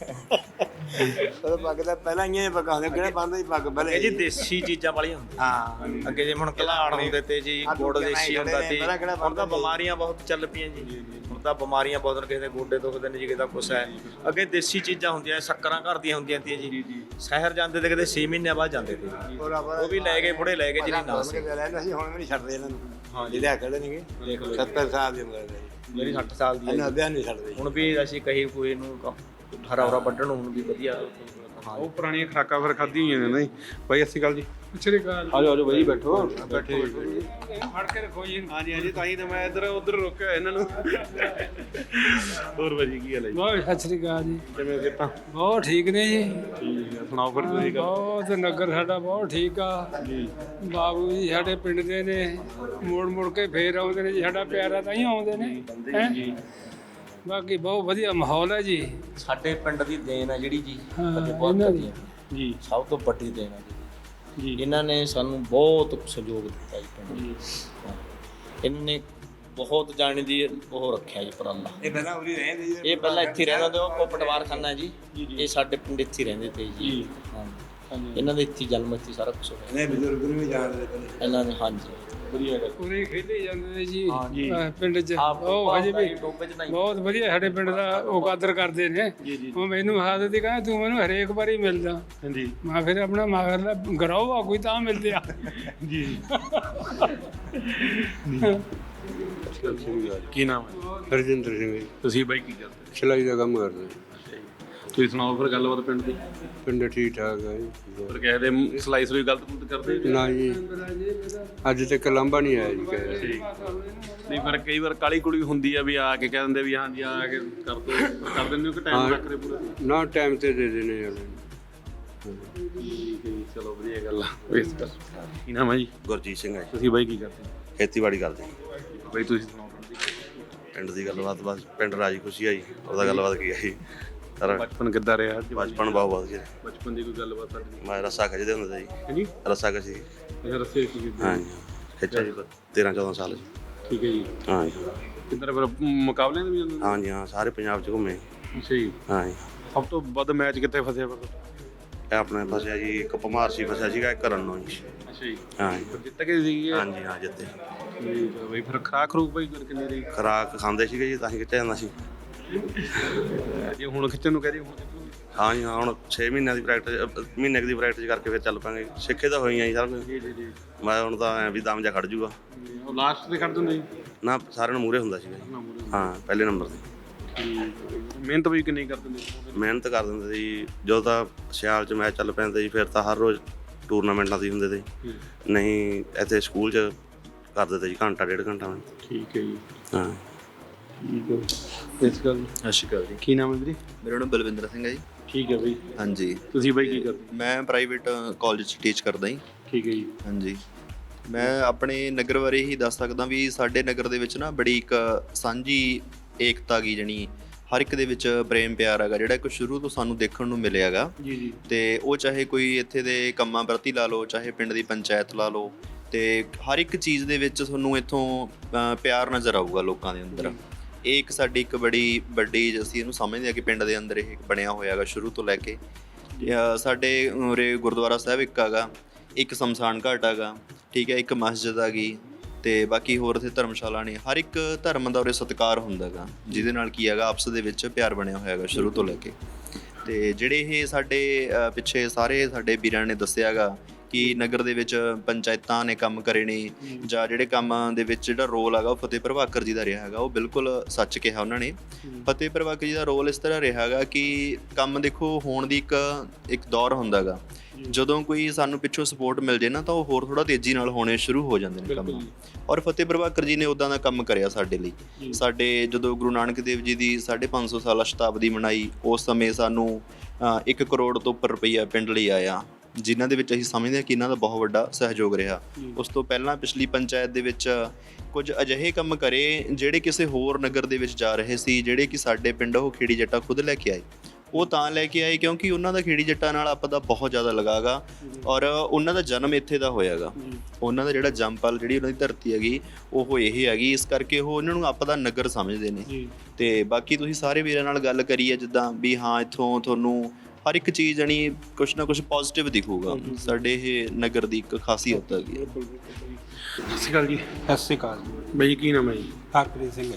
J: ਉਹ ਪੱਗ ਦਾ ਪਹਿਲਾਂ ਹੀ ਪੱਗਾਂ ਹੁੰਦੇ, ਕਿਹੜਾ ਬੰਦਾ ਹੀ ਪੱਗ ਪਹਿਲੇ।
E: ਇਹ ਜੀ ਦੇਸੀ ਚੀਜ਼ਾਂ ਵਾਲੀਆਂ ਹੁੰਦੀਆਂ।
J: ਹਾਂ।
E: ਅੱਗੇ ਜੇ ਹੁਣ ਘਲਾੜ ਹੁੰਦੇ ਤੇ ਜੀ, ਗੁੜ ਦੇਸੀ ਹੁੰਦਾ ਤੇ। ਹੁਣ ਤਾਂ ਬਿਮਾਰੀਆਂ ਬਹੁਤ ਚੱਲ ਪਈਆਂ ਜੀ। ਹੁਣ ਹੁਣ ਤਾਂ ਬਿਮਾਰੀਆਂ ਬਹੁਤ ਨੇ, ਕਿਸੇ ਦੇ ਗੋਡੇ ਦੁਖਦੇ ਨੇ ਜੀ, ਕਿਸੇ ਦਾ ਕੁਛ ਹੈ। ਅੱਗੇ ਦੇਸੀ ਚੀਜ਼ਾਂ ਹੁੰਦੀਆਂ, ਸ਼ੱਕਰਾਂ ਘਰ ਦੀਆਂ ਹੁੰਦੀਆਂ ਤੀਆਂ ਜੀ। ਸ਼ਹਿਰ ਜਾਂਦੇ ਤੇ ਕਿਤੇ ਛੇ ਮਹੀਨਿਆਂ ਬਾਅਦ ਜਾਂਦੇ ਤੇ, ਉਹ ਵੀ ਲੈ ਗਏ ਬੁੜੇ ਲੈ ਗਏ ਜਿਹੜੀ ਨਾ ਸੀ।
J: ਰਹਿੰਦਾ ਸੀ, ਹੁਣ ਵੀ ਨਹੀਂ ਛੱਡਦੇ ਇਹਨਾਂ ਨੂੰ। ਹਾਂ ਜਿਹਦੇ ਹੱਕੜੇ ਨੇਗੇ
E: ਦੇਖ ਲਓ
J: ਸੱਤਰ ਸਾਲ ਦੀ ਉਮਰ ਦੇ
E: ਮੇਰੀ ਸੱਠ ਸਾਲ ਦੀ ਹੈ
J: ਇਹਨਾਂ
E: ਜੀ।
J: ਵਿਆਹ ਨਹੀਂ ਛੱਡਦੇ।
E: ਹੁਣ ਵੀ ਅਸੀਂ ਕਹੀ ਕੋਈ ਨੂੰ ਹਰਾ ਹਰਾ ਵੱਢਣ ਨੂੰ ਹੁਣ ਵੀ ਵਧੀਆ।
A: ਉਹ ਪੁਰਾਣੀਆਂ ਖੁਰਾਕਾਂ ਫਿਰ ਖਾਧੀ ਹੋਈਆਂ ਨੇ ਨਾ ਜੀ। ਬਾਈ ਸਤਿ ਸ਼੍ਰੀ ਅਕਾਲ ਜੀ।
C: ਸਤਿ ਸ਼੍ਰੀ ਅਕਾਲ।
A: ਆਜੋ ਆਜੋ ਬਾਈ ਬੈਠੋ ਬੈਠੇ।
C: ਫੜ ਕੇ ਰੱਖੋ ਜੀ।
A: ਹਾਂਜੀ ਹਾਂਜੀ ਤਾਂ ਹੀ ਤਾਂ ਮੈਂ ਇੱਧਰ ਉੱਧਰ ਰੋਕਿਆ ਇਹਨਾਂ ਨੂੰ। ਹੋਰ ਬਾਜੀ ਕੀ ਹਾਲ ਹੈ ਜੀ?
C: ਬਹੁਤ ਸਤਿ ਸ਼੍ਰੀ ਅਕਾਲ ਜੀ।
A: ਕਿਵੇਂ ਕਿਤਾ?
C: ਬਹੁਤ ਠੀਕ ਨੇ ਜੀ।
A: ਠੀਕ ਆ, ਸੁਣਾਓ ਫਿਰ ਤੁਸੀਂ ਗੱਲ।
C: ਬਹੁਤ ਨਗਰ ਸਾਡਾ ਬਹੁਤ ਠੀਕ ਆ ਜੀ। ਬਾਬੂ ਜੀ ਸਾਡੇ ਪਿੰਡ ਦੇ ਨੇ, ਮੁੜ ਮੁੜ ਕੇ ਫੇਰ ਆਉਂਦੇ ਨੇ ਜੀ। ਸਾਡਾ ਪਿਆਰਾ ਤਾਂ ਹੀ ਆਉਂਦੇ ਨੇ ਹੈਂ ਜੀ। ਬਾਕੀ ਬਹੁਤ ਵਧੀਆ ਮਾਹੌਲ ਹੈ ਜੀ।
E: ਸਾਡੇ ਪਿੰਡ ਦੀ ਦੇਣ ਹੈ ਜਿਹੜੀ ਜੀ,
C: ਹਾਂ,
E: ਕਦੇ ਬਹੁਤ
C: ਇਹਨਾਂ ਦੀ।
E: ਵਧੀਆ
A: ਜੀ
E: ਸਭ ਤੋਂ ਵੱਡੀ ਦੇਣ ਹੈ ਜੀ।
A: ਜੀ
E: ਇਹਨਾਂ ਨੇ ਸਾਨੂੰ ਬਹੁਤ ਸਹਿਯੋਗ ਦਿੱਤਾ ਜੀ ਪਿੰਡ ਨੂੰ। ਇਹਨਾਂ ਨੇ ਬਹੁਤ ਜਾਣੇ ਦੀ ਉਹ ਰੱਖਿਆ ਜੀ ਉਪਰਾਲਾ।
J: ਇਹ ਪਹਿਲਾਂ ਉਰੀ ਰਹਿੰਦੇ ਜੀ।
E: ਇਹ ਪਹਿਲਾਂ ਇੱਥੇ ਰਹਿੰਦਾ ਤੇ ਉਹ ਪਟਵਾਰਖਾਨਾ ਜੀ। ਇਹ ਸਾਡੇ ਪਿੰਡ ਇੱਥੇ ਰਹਿੰਦੇ ਤੇ ਜੀ। ਹਾਂਜੀ ਇਹਨਾਂ ਦੇ ਇੱਥੇ ਜਨਮ ਇੱਥੇ ਸਾਰਾ ਕੁਝ ਹੋਇਆ।
J: ਨਹੀਂ ਬਜ਼ੁਰਗ ਨੂੰ ਵੀ ਜਾਣਦੇ ਪਹਿਲੇ।
E: ਇਹਨਾਂ ਨੇ ਹਾਂਜੀ
A: ਵਧੀਆ ਗੱਲ।
C: ਪੂਰੇ ਖੇਡੇ ਜਾਂਦੇ ਨੇ ਜੀ
A: ਜੀ।
C: ਅਹ ਪਿੰਡ 'ਚ।
E: ਆਪ
C: ਉਹ ਹਜੇ ਵੀ
E: ਟੋਪੇ ਚ ਨਹੀਂ
C: ਬਹੁਤ ਵਧੀਆ ਸਾਡੇ ਪਿੰਡ ਦਾ ਉਹ ਕਦਰ ਕਰਦੇ ਨੇ। ਉਹ ਮੈਨੂੰ ਆਦਤ ਹੀ ਕਹਿੰਦਾ ਤੂੰ ਮੈਨੂੰ ਹਰੇਕ ਵਾਰੀ ਮਿਲਦਾ।
A: ਹਾਂਜੀ
C: ਮੈਂ ਫਿਰ ਆਪਣਾ ਮਗਰਲਾ ਗਰਾਉ ਆ ਕੋਈ ਤਾਂ ਮਿਲਦੇ ਆ
A: ਜੀ। ਕੀ ਨਾਮ ਹੈ?
J: ਹਰਜਿੰਦਰ ਸਿੰਘ ਜੀ,
A: ਤੁਸੀਂ ਬਾਈ ਕੀ ਕਰਦੇ?
J: ਸਿਲਾਈ ਦਾ ਕੰਮ ਕਰਦੇ।
A: ਤੁਸੀਂ ਸੁਣਾਓ ਫਿਰ ਗੱਲਬਾਤ ਪਿੰਡ ਦੀ।
J: ਪਿੰਡ ਠੀਕ ਠਾਕ ਹੈ ਜੀ।
A: ਫਿਰ ਕਿਸੇ ਦੇ ਸਲਾਈ ਸਲੂਈ ਗਲਤ ਗੁਲਤ ਕਰਦੇ?
J: ਨਾ ਜੀ ਅੱਜ ਤੱਕ ਲਾਂਭਾ ਨਹੀਂ ਆਇਆ ਜੀ ਕਿਸੇ ਦਾ।
A: ਨਹੀਂ ਪਰ ਕਈ ਵਾਰ ਕਾਲੀ ਕੁੜੀ ਹੁੰਦੀ ਆ ਵੀ ਆ ਕੇ ਕਹਿ ਦਿੰਦੇ ਵੀ ਹਾਂਜੀ ਆ ਕੇ ਕਰ ਦੋ ਕਰ ਦਿੰਦੇ ਹੋ ਕਿ ਟਾਈਮ ਰੱਖ ਰਹੇ ਪੂਰਾ?
J: ਨਾ ਟਾਈਮ ਤੇ ਦੇ ਦੇਣੇ ਵਾਲੇ।
A: ਠੀਕ ਹੈ ਜੀ, ਚਲੋ ਵਧੀਆ ਗੱਲ ਆ। ਵੇਸ ਕਰ। ਕੀ ਨਾਮ ਹੈ ਜੀ?
K: ਗੁਰਜੀਤ ਸਿੰਘ ਹੈ ਜੀ।
A: ਤੁਸੀਂ ਬਾਈ ਕੀ ਕਰਦੇ?
K: ਖੇਤੀਬਾੜੀ ਕਰਦੇ
A: ਬਾਈ ਤੁਸੀਂ ਸੁਣਾਓ
K: ਪਿੰਡ ਦੀ ਗੱਲਬਾਤ। ਬਸ ਪਿੰਡ ਰਾਜੀ ਖੁਸ਼ੀ ਆ ਜੀ। ਉਹਦਾ ਗੱਲਬਾਤ ਕੀ ਹੈ ਜੀ ਸਾਰਾ
A: ਬਚਪਨ ਕਿੱਦਾਂ ਰਿਹਾ?
K: ਬਚਪਨ ਬਹੁਤ ਵਧੀਆ।
A: ਬਚਪਨ ਦੀ ਕੋਈ ਗੱਲਬਾਤ ਤੁਹਾਡੀ?
K: ਮੈਂ ਰੱਸਾ ਖਿੱਚਦੇ ਹੁੰਦੇ ਸੀ ਜੀ।
A: ਹਾਂਜੀ
K: ਰੱਸਾ ਖਿੱਚੀ
A: ਅੱਛਾ ਰੱਸੇ ਕੀ ਕਰਦੇ?
K: ਹਾਂਜੀ ਖਿੱਚਿਆ ਜੀ ਤੇਰਾਂ ਚੌਦਾਂ ਸਾਲ ਜੀ।
A: ਠੀਕ ਹੈ ਜੀ।
K: ਹਾਂ ਜੀ
A: ਕਿੱਧਰ ਫਿਰ ਮੁਕਾਬਲਿਆਂ ਦੇ ਵੀ ਜਾਂਦੇ?
K: ਹਾਂਜੀ ਹਾਂ ਸਾਰੇ ਪੰਜਾਬ 'ਚ ਘੁੰਮੇ।
A: ਅੱਛਾ ਜੀ।
K: ਹਾਂ ਜੀ
A: ਸਭ ਤੋਂ ਵੱਧ ਮੈਚ ਕਿੱਥੇ ਫਸਿਆ ਫਿਰ?
K: ਇਹ ਆਪਣੇ ਫਸਿਆ ਜੀ ਇੱਕ ਭਮਾਰਸੀ ਫਸਿਆ ਸੀਗਾ ਇੱਕ ਰੰਨੋ ਜੀ।
A: ਅੱਛਾ ਜੀ।
K: ਹਾਂ ਜੀ
A: ਫਿਰ ਜਿੱਤ ਗਏ ਸੀਗੇ?
K: ਹਾਂਜੀ ਹਾਂ ਜਿੱਤੇ।
A: ਠੀਕ ਹੈ ਬਈ। ਫਿਰ ਖਰਾਕ ਖਰੂਕ ਬਈ ਫਿਰ ਕਿੰਨੀ ਰਹੀ?
K: ਖੁਰਾਕ ਖਾਂਦੇ ਸੀਗੇ ਜੀ ਤਾਂ ਹੀ ਖਿੱਚਿਆ ਜਾਂਦਾ ਸੀ।
A: ਜੇ ਹੁਣ ਖਿੱਚਣ ਨੂੰ ਕਹਿ ਰਹੀ ਹੁਣ ਖਿੱਚੂਗੀ?
K: ਹਾਂ ਜੀ ਹਾਂ ਹੁਣ ਛੇ ਮਹੀਨਿਆਂ ਦੀ ਪ੍ਰੈਕਟਿਸ ਮਹੀਨੇ ਕੁ ਦੀ ਪ੍ਰੈਕਟਿਸ ਕਰਕੇ ਫਿਰ ਚੱਲ ਪਾਂਗੇ। ਸਿੱਖੇ ਤਾਂ ਹੋਈਆਂ ਜੀ ਸਾਰਾ ਕੁਝ।
A: ਜੀ ਜੀ ਜੀ।
K: ਮੈਂ ਹੁਣ ਤਾਂ ਐਂ ਵੀ ਦਮ ਜਾ ਖੜ ਜੂਗਾ।
A: ਉਹ ਲਾਸਟ ਤੇ ਖੜ ਦਿੰਦੇ ਜੀ?
K: ਨਾ ਸਾਰਿਆਂ ਨੂੰ ਮੂਹਰੇ ਹੁੰਦਾ ਸੀਗਾ ਜੀ। ਹਾਂ ਪਹਿਲੇ ਨੰਬਰ 'ਤੇ।
A: ਮਿਹਨਤ ਵੀ ਕਿੰਨੀ ਕਰ ਦਿੰਦੇ?
K: ਮਿਹਨਤ ਕਰ ਦਿੰਦੇ ਸੀ। ਜਦੋਂ ਤਾਂ ਸਿਆਲ 'ਚ ਮੈਚ ਚੱਲ ਪੈਂਦੇ ਸੀ ਫਿਰ ਤਾਂ ਹਰ ਰੋਜ਼ ਟੂਰਨਾਮੈਂਟਾਂ ਦੀ ਹੁੰਦੇ ਸੀ। ਨਹੀਂ ਇੱਥੇ ਸਕੂਲ 'ਚ ਕਰ ਦਿੰਦੇ ਜੀ ਘੰਟਾ ਡੇਢ ਘੰਟਾ।
A: ਠੀਕ ਹੈ ਜੀ।
K: ਹਾਂ
A: ਠੀਕ ਹੈ। ਇਸ ਗੱਲ
L: ਸਤਿ ਸ਼੍ਰੀ ਅਕਾਲ ਜੀ।
A: ਕੀ ਨਾਮ ਹੈ ਵੀਰੇ?
L: ਮੇਰਾ ਨਾਮ ਬਲਵਿੰਦਰ ਸਿੰਘ ਹੈ ਜੀ।
A: ਠੀਕ ਹੈ ਬਈ।
L: ਹਾਂਜੀ
A: ਤੁਸੀਂ ਬਾਈ ਕੀ ਕਰਦੇ?
L: ਮੈਂ ਪ੍ਰਾਈਵੇਟ ਕਾਲਜ 'ਚ ਟੀਚ ਕਰਦਾ ਜੀ।
A: ਠੀਕ ਹੈ ਜੀ।
L: ਹਾਂਜੀ ਮੈਂ ਆਪਣੇ ਨਗਰ ਬਾਰੇ ਹੀ ਦੱਸ ਸਕਦਾ ਵੀ ਸਾਡੇ ਨਗਰ ਦੇ ਵਿੱਚ ਨਾ ਬੜੀ ਇੱਕ ਸਾਂਝੀ ਏਕਤਾ ਗੀ ਜਣੀ ਹਰ ਇੱਕ ਦੇ ਵਿੱਚ ਪ੍ਰੇਮ ਪਿਆਰ ਹੈਗਾ ਜਿਹੜਾ ਇੱਕ ਸ਼ੁਰੂ ਤੋਂ ਸਾਨੂੰ ਦੇਖਣ ਨੂੰ ਮਿਲਿਆ ਹੈਗਾ
A: ਜੀ ਜੀ।
L: ਤੇ ਉਹ ਚਾਹੇ ਕੋਈ ਇੱਥੇ ਦੇ ਕੰਮਾਂ ਪ੍ਰਤੀ ਲਾ ਲਓ ਚਾਹੇ ਪਿੰਡ ਦੀ ਪੰਚਾਇਤ ਲਾ ਲਓ ਤੇ ਹਰ ਇੱਕ ਚੀਜ਼ ਦੇ ਵਿੱਚ ਤੁਹਾਨੂੰ ਇੱਥੋਂ ਅ, ਪਿਆਰ ਨਜ਼ਰ ਆਊਗਾ ਲੋਕਾਂ ਦੇ ਅੰਦਰ। ਇਹ ਇੱਕ ਸਾਡੀ ਇੱਕ ਬੜੀ ਵੱਡੀ ਅਸੀਂ ਇਹਨੂੰ ਸਮਝਦੇ ਹਾਂ ਕਿ ਪਿੰਡ ਦੇ ਅੰਦਰ ਇਹ ਬਣਿਆ ਹੋਇਆ ਹੈਗਾ ਸ਼ੁਰੂ ਤੋਂ ਲੈ ਕੇ। ਅ, ਸਾਡੇ ਉਰੇ ਗੁਰਦੁਆਰਾ ਸਾਹਿਬ ਇੱਕ ਹੈਗਾ, ਇੱਕ ਸ਼ਮਸ਼ਾਨ ਘਾਟ ਹੈਗਾ, ਠੀਕ ਹੈ, ਇੱਕ ਮਸਜਿਦ ਆ ਗਈ ਤੇ ਬਾਕੀ ਹੋਰ ਇੱਥੇ ਧਰਮਸ਼ਾਲਾ ਨੇ। ਹਰ ਇੱਕ ਧਰਮ ਦਾ ਉਰੇ ਸਤਿਕਾਰ ਹੁੰਦਾ ਹੈਗਾ ਜਿਹਦੇ ਨਾਲ ਕੀ ਹੈਗਾ ਆਪਸ ਦੇ ਵਿੱਚ ਪਿਆਰ ਬਣਿਆ ਹੋਇਆ ਹੈਗਾ ਸ਼ੁਰੂ ਤੋਂ ਲੈ ਕੇ। ਤੇ ਜਿਹੜੇ ਇਹ ਸਾਡੇ ਅ, ਪਿੱਛੇ ਸਾਰੇ ਸਾਡੇ ਵੀਰਾਂ ਨੇ ਦੱਸਿਆ ਹੈਗਾ ਕਿ ਨਗਰ ਦੇ ਵਿੱਚ ਪੰਚਾਇਤਾਂ ਨੇ ਕੰਮ ਕਰੇ ਨੇ ਜਾਂ ਜਿਹੜੇ ਕੰਮਾਂ ਦੇ ਵਿੱਚ ਜਿਹੜਾ ਰੋਲ ਹੈਗਾ ਉਹ ਫਤਿਹ ਪ੍ਰਭਾਕਰ ਜੀ ਦਾ ਰਿਹਾ ਹੈਗਾ, ਉਹ ਬਿਲਕੁਲ ਸੱਚ ਕਿਹਾ ਉਹਨਾਂ ਨੇ। ਫਤਿਹ ਪ੍ਰਭਾਕਰ ਜੀ ਦਾ ਰੋਲ ਇਸ ਤਰ੍ਹਾਂ ਰਿਹਾ ਹੈਗਾ ਕਿ ਕੰਮ ਦੇਖੋ ਹੋਣ ਦੀ ਇੱਕ ਇੱਕ ਦੌਰ ਹੁੰਦਾ ਹੈਗਾ। ਜਦੋਂ ਕੋਈ ਸਾਨੂੰ ਪਿੱਛੋਂ ਸਪੋਰਟ ਮਿਲ ਜੇ ਨਾ ਤਾਂ ਉਹ ਹੋਰ ਥੋੜਾ ਤੇਜ਼ੀ ਨਾਲ ਹੋਣੇ ਸ਼ੁਰੂ ਹੋ ਜਾਂਦੇ ਨੇ ਕੰਮ। ਔਰ ਫਤਿਹ ਪ੍ਰਭਾਕਰ ਜੀ ਨੇ ਉੱਦਾਂ ਦਾ ਕੰਮ ਕਰਿਆ ਸਾਡੇ ਲਈ। ਸਾਡੇ ਜਦੋਂ ਗੁਰੂ ਨਾਨਕ ਦੇਵ ਜੀ ਦੀ ਸਾਢੇ ਪੰਜ ਸੌ ਸਾਲਾ ਸ਼ਤਾਬਦੀ ਮਨਾਈ ਉਸ ਸਮੇਂ ਸਾਨੂੰ ਇੱਕ ਕਰੋੜ ਤੋਂ ਉੱਪਰ ਰੁਪਈਆ ਪਿੰਡ ਲਈ ਆਇਆ, ਜਿਨ੍ਹਾਂ ਦੇ ਵਿੱਚ ਅਸੀਂ ਸਮਝਦੇ ਹਾਂ ਕਿ ਇਹਨਾਂ ਦਾ ਬਹੁਤ ਵੱਡਾ ਸਹਿਯੋਗ ਰਿਹਾ। ਉਸ ਤੋਂ ਪਹਿਲਾਂ ਪਿਛਲੀ ਪੰਚਾਇਤ ਦੇ ਵਿੱਚ ਕੁਝ ਅਜਿਹੇ ਕੰਮ ਕਰੇ ਜਿਹੜੇ ਕਿਸੇ ਹੋਰ ਨਗਰ ਦੇ ਵਿੱਚ ਜਾ ਰਹੇ ਸੀ, ਜਿਹੜੇ ਕਿ ਸਾਡੇ ਪਿੰਡ ਉਹ ਖੇੜੀ ਜੱਟਾ ਖੁਦ ਲੈ ਕੇ ਆਏ। ਉਹ ਤਾਂ ਲੈ ਕੇ ਆਏ ਕਿਉਂਕਿ ਉਹਨਾਂ ਦਾ ਖੇੜੀ ਜੱਟਾਂ ਨਾਲ ਆਪਾਂ ਦਾ ਬਹੁਤ ਜ਼ਿਆਦਾ ਲਗਾਅ ਗਾ ਔਰ ਉਹਨਾਂ ਦਾ ਜਨਮ ਇੱਥੇ ਦਾ ਹੋਇਆ ਗਾ। ਉਹਨਾਂ ਦਾ ਜਿਹੜਾ ਜੰਮਪਲ ਜਿਹੜੀ ਉਹਨਾਂ ਦੀ ਧਰਤੀ ਹੈਗੀ ਉਹ ਇਹ ਹੈਗੀ, ਇਸ ਕਰਕੇ ਉਹ ਉਹਨਾਂ ਨੂੰ ਆਪਾਂ ਦਾ ਨਗਰ ਸਮਝਦੇ ਨੇ। ਤੇ ਬਾਕੀ ਤੁਸੀਂ ਸਾਰੇ ਵੀਰਾਂ ਨਾਲ ਗੱਲ ਕਰੀ ਹੈ ਜਿੱਦਾਂ ਵੀ ਹਾਂ ਇੱਥੋਂ ਤੁਹਾਨੂੰ ਹਰ ਇੱਕ ਚੀਜ਼ ਜਾਣੀ ਕੁਛ ਨਾ ਕੁਛ ਪੋਜ਼ਿਟਿਵ ਦਿਖੂਗਾ। ਸਾਡੇ ਇਹ ਨਗਰ ਦੀ ਇੱਕ ਖਾਸੀਅਤ ਹੈਗੀ।
A: ਸਤਿ ਸ਼੍ਰੀ ਅਕਾਲ ਜੀ।
J: ਸਤਿ ਸ਼੍ਰੀ ਅਕਾਲ ਜੀ।
A: ਬਾਈ ਕੀ ਨਾਮ ਹੈ ਜੀ?
J: ਹਰਪ੍ਰੀਤ ਸਿੰਘ ਹੈ ਜੀ।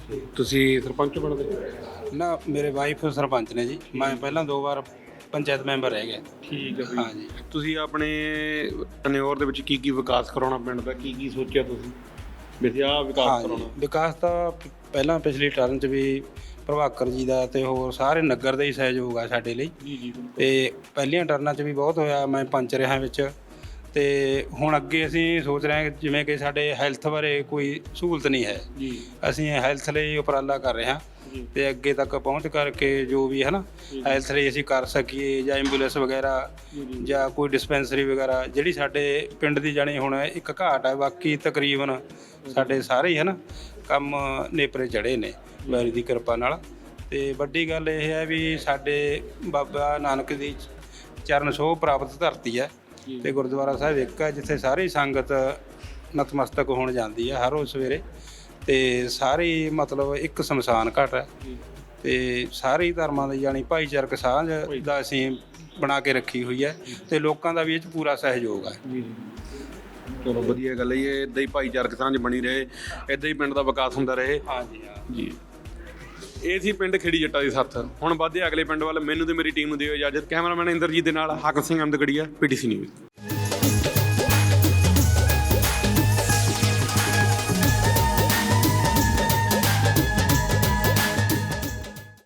A: ਤੁਸੀਂ ਸਰਪੰਚ ਬਣਦੇ?
J: ਨਾ ਮੇਰੇ ਵਾਈਫ ਸਰਪੰਚ ਨੇ ਜੀ, ਮੈਂ ਪਹਿਲਾਂ ਦੋ ਵਾਰ ਪੰਚਾਇਤ ਮੈਂਬਰ ਰਹਿ ਗਿਆ।
A: ਠੀਕ ਹੈ ਬਈ।
J: ਹਾਂ ਜੀ।
A: ਤੁਸੀਂ ਆਪਣੇ ਟਨਿਓਰ ਦੇ ਵਿੱਚ ਕੀ ਕੀ ਵਿਕਾਸ ਕਰਾਉਣਾ ਪਿੰਡ ਦਾ, ਕੀ ਕੀ ਸੋਚਿਆ ਤੁਸੀਂ ਵੀ ਆਹ ਵਿਕਾਸ
J: ਹਾਂ ਜੀ,
A: ਕਰਾਉਣਾ?
J: ਵਿਕਾਸ ਤਾਂ ਪ- ਪਹਿਲਾਂ ਪਿਛਲੀ ਟਰਨ 'ਚ ਵੀ ਪ੍ਰਭਾਕਰ ਜੀ ਦਾ ਤੇ ਹੋਰ ਸਾਰੇ ਨਗਰ ਦਾ ਹੀ ਸਹਿਯੋਗ ਆ ਸਾਡੇ ਲਈ।
A: ਜੀ ਜੀ
J: ਤੇ ਪਹਿਲੀਆਂ ਟਰਨਾਂ 'ਚ ਵੀ ਬਹੁਤ ਹੋਇਆ, ਮੈਂ ਪੰਚ ਰਿਹਾ ਵਿੱਚ। ਤੇ ਹੁਣ ਅੱਗੇ ਅਸੀਂ ਸੋਚ ਰਹੇ ਹਾਂ ਕਿ ਜਿਵੇਂ ਕਿ ਸਾਡੇ ਹੈਲਥ ਬਾਰੇ ਕੋਈ ਸਹੂਲਤ ਨਹੀਂ ਹੈ,
A: ਜੀ
J: ਅਸੀਂ ਹੈਲਥ ਲਈ ਉਪਰਾਲਾ ਕਰ ਰਹੇ ਹਾਂ ਤੇ ਅੱਗੇ ਤੱਕ ਪਹੁੰਚ ਕਰਕੇ ਜੋ ਵੀ ਹੈ ਨਾ ਹੈਲਥ ਲਈ ਅਸੀਂ ਕਰ ਸਕੀਏ, ਜਾਂ ਐਂਬੂਲੈਂਸ ਵਗੈਰਾ ਜਾਂ ਕੋਈ ਡਿਸਪੈਂਸਰੀ ਵਗੈਰਾ ਜਿਹੜੀ ਸਾਡੇ ਪਿੰਡ ਦੀ ਜਾਣੀ ਹੁਣ ਇੱਕ ਘਾਟ ਹੈ। ਬਾਕੀ ਤਕਰੀਬਨ ਸਾਡੇ ਸਾਰੇ ਹੀ ਹੈ ਨਾ ਕੰਮ ਨੇਪਰੇ ਚੜ੍ਹੇ ਨੇ ਵਾਹਿਗੁਰੂ ਦੀ ਕਿਰਪਾ ਨਾਲ। ਤੇ ਵੱਡੀ ਗੱਲ ਇਹ ਹੈ ਵੀ ਸਾਡੇ ਬਾਬਾ ਨਾਨਕ ਦੀ ਚਰਨ ਛੋਹ ਪ੍ਰਾਪਤ ਧਰਤੀ ਹੈ ਤੇ ਗੁਰਦੁਆਰਾ ਸਾਹਿਬ ਇੱਕ ਹੈ ਜਿੱਥੇ ਸਾਰੀ ਸੰਗਤ ਨਤਮਸਤਕ ਹੋਣ ਜਾਂਦੀ ਹੈ ਹਰ ਰੋਜ਼ ਸਵੇਰੇ। ਤੇ ਸਾਰੀ ਮਤਲਬ ਇੱਕ ਸ਼ਮਸ਼ਾਨ ਘਾਟ ਹੈ ਤੇ ਸਾਰੇ ਧਰਮਾਂ ਦੀ ਜਾਣੀ ਭਾਈਚਾਰਕ ਸਾਂਝ ਦਾ ਅਸੀਂ ਬਣਾ ਕੇ ਰੱਖੀ ਹੋਈ ਹੈ ਤੇ ਲੋਕਾਂ ਦਾ ਵੀ ਇਹ 'ਚ ਪੂਰਾ ਸਹਿਯੋਗ ਹੈ।
A: ਜੀ ਚਲੋ ਵਧੀਆ ਗੱਲ ਹੈ ਜੀ, ਇਦਾਂ ਹੀ ਭਾਈਚਾਰਕ ਸਾਂਝ ਬਣੀ ਰਹੇ, ਇਦਾਂ ਹੀ ਪਿੰਡ ਦਾ ਵਿਕਾਸ ਹੁੰਦਾ ਰਹੇ।
J: ਹਾਂਜੀ ਹਾਂ
A: ਜੀ ਇਹ ਸੀ ਪਿੰਡ ਖੇੜੀ ਜੱਟਾਂ ਦੀ ਸੱਥ। ਹੁਣ ਵੱਧਦੇ ਅਗਲੇ ਪਿੰਡ ਵੱਲ। ਮੈਨੂੰ ਤੇ ਮੇਰੀ ਟੀਮ ਨੂੰ ਦਿਓ ਇਜਾਜ਼ਤ। ਕੈਮਰਾਮੈਨ ਇੰਦਰਜੀਤ ਦੇ ਨਾਲ ਹਾਕਮ ਸਿੰਘ ਅਹਿਮਦਗੜੀਆ, ਪੀਟੀਸੀ ਨਿਊਜ਼।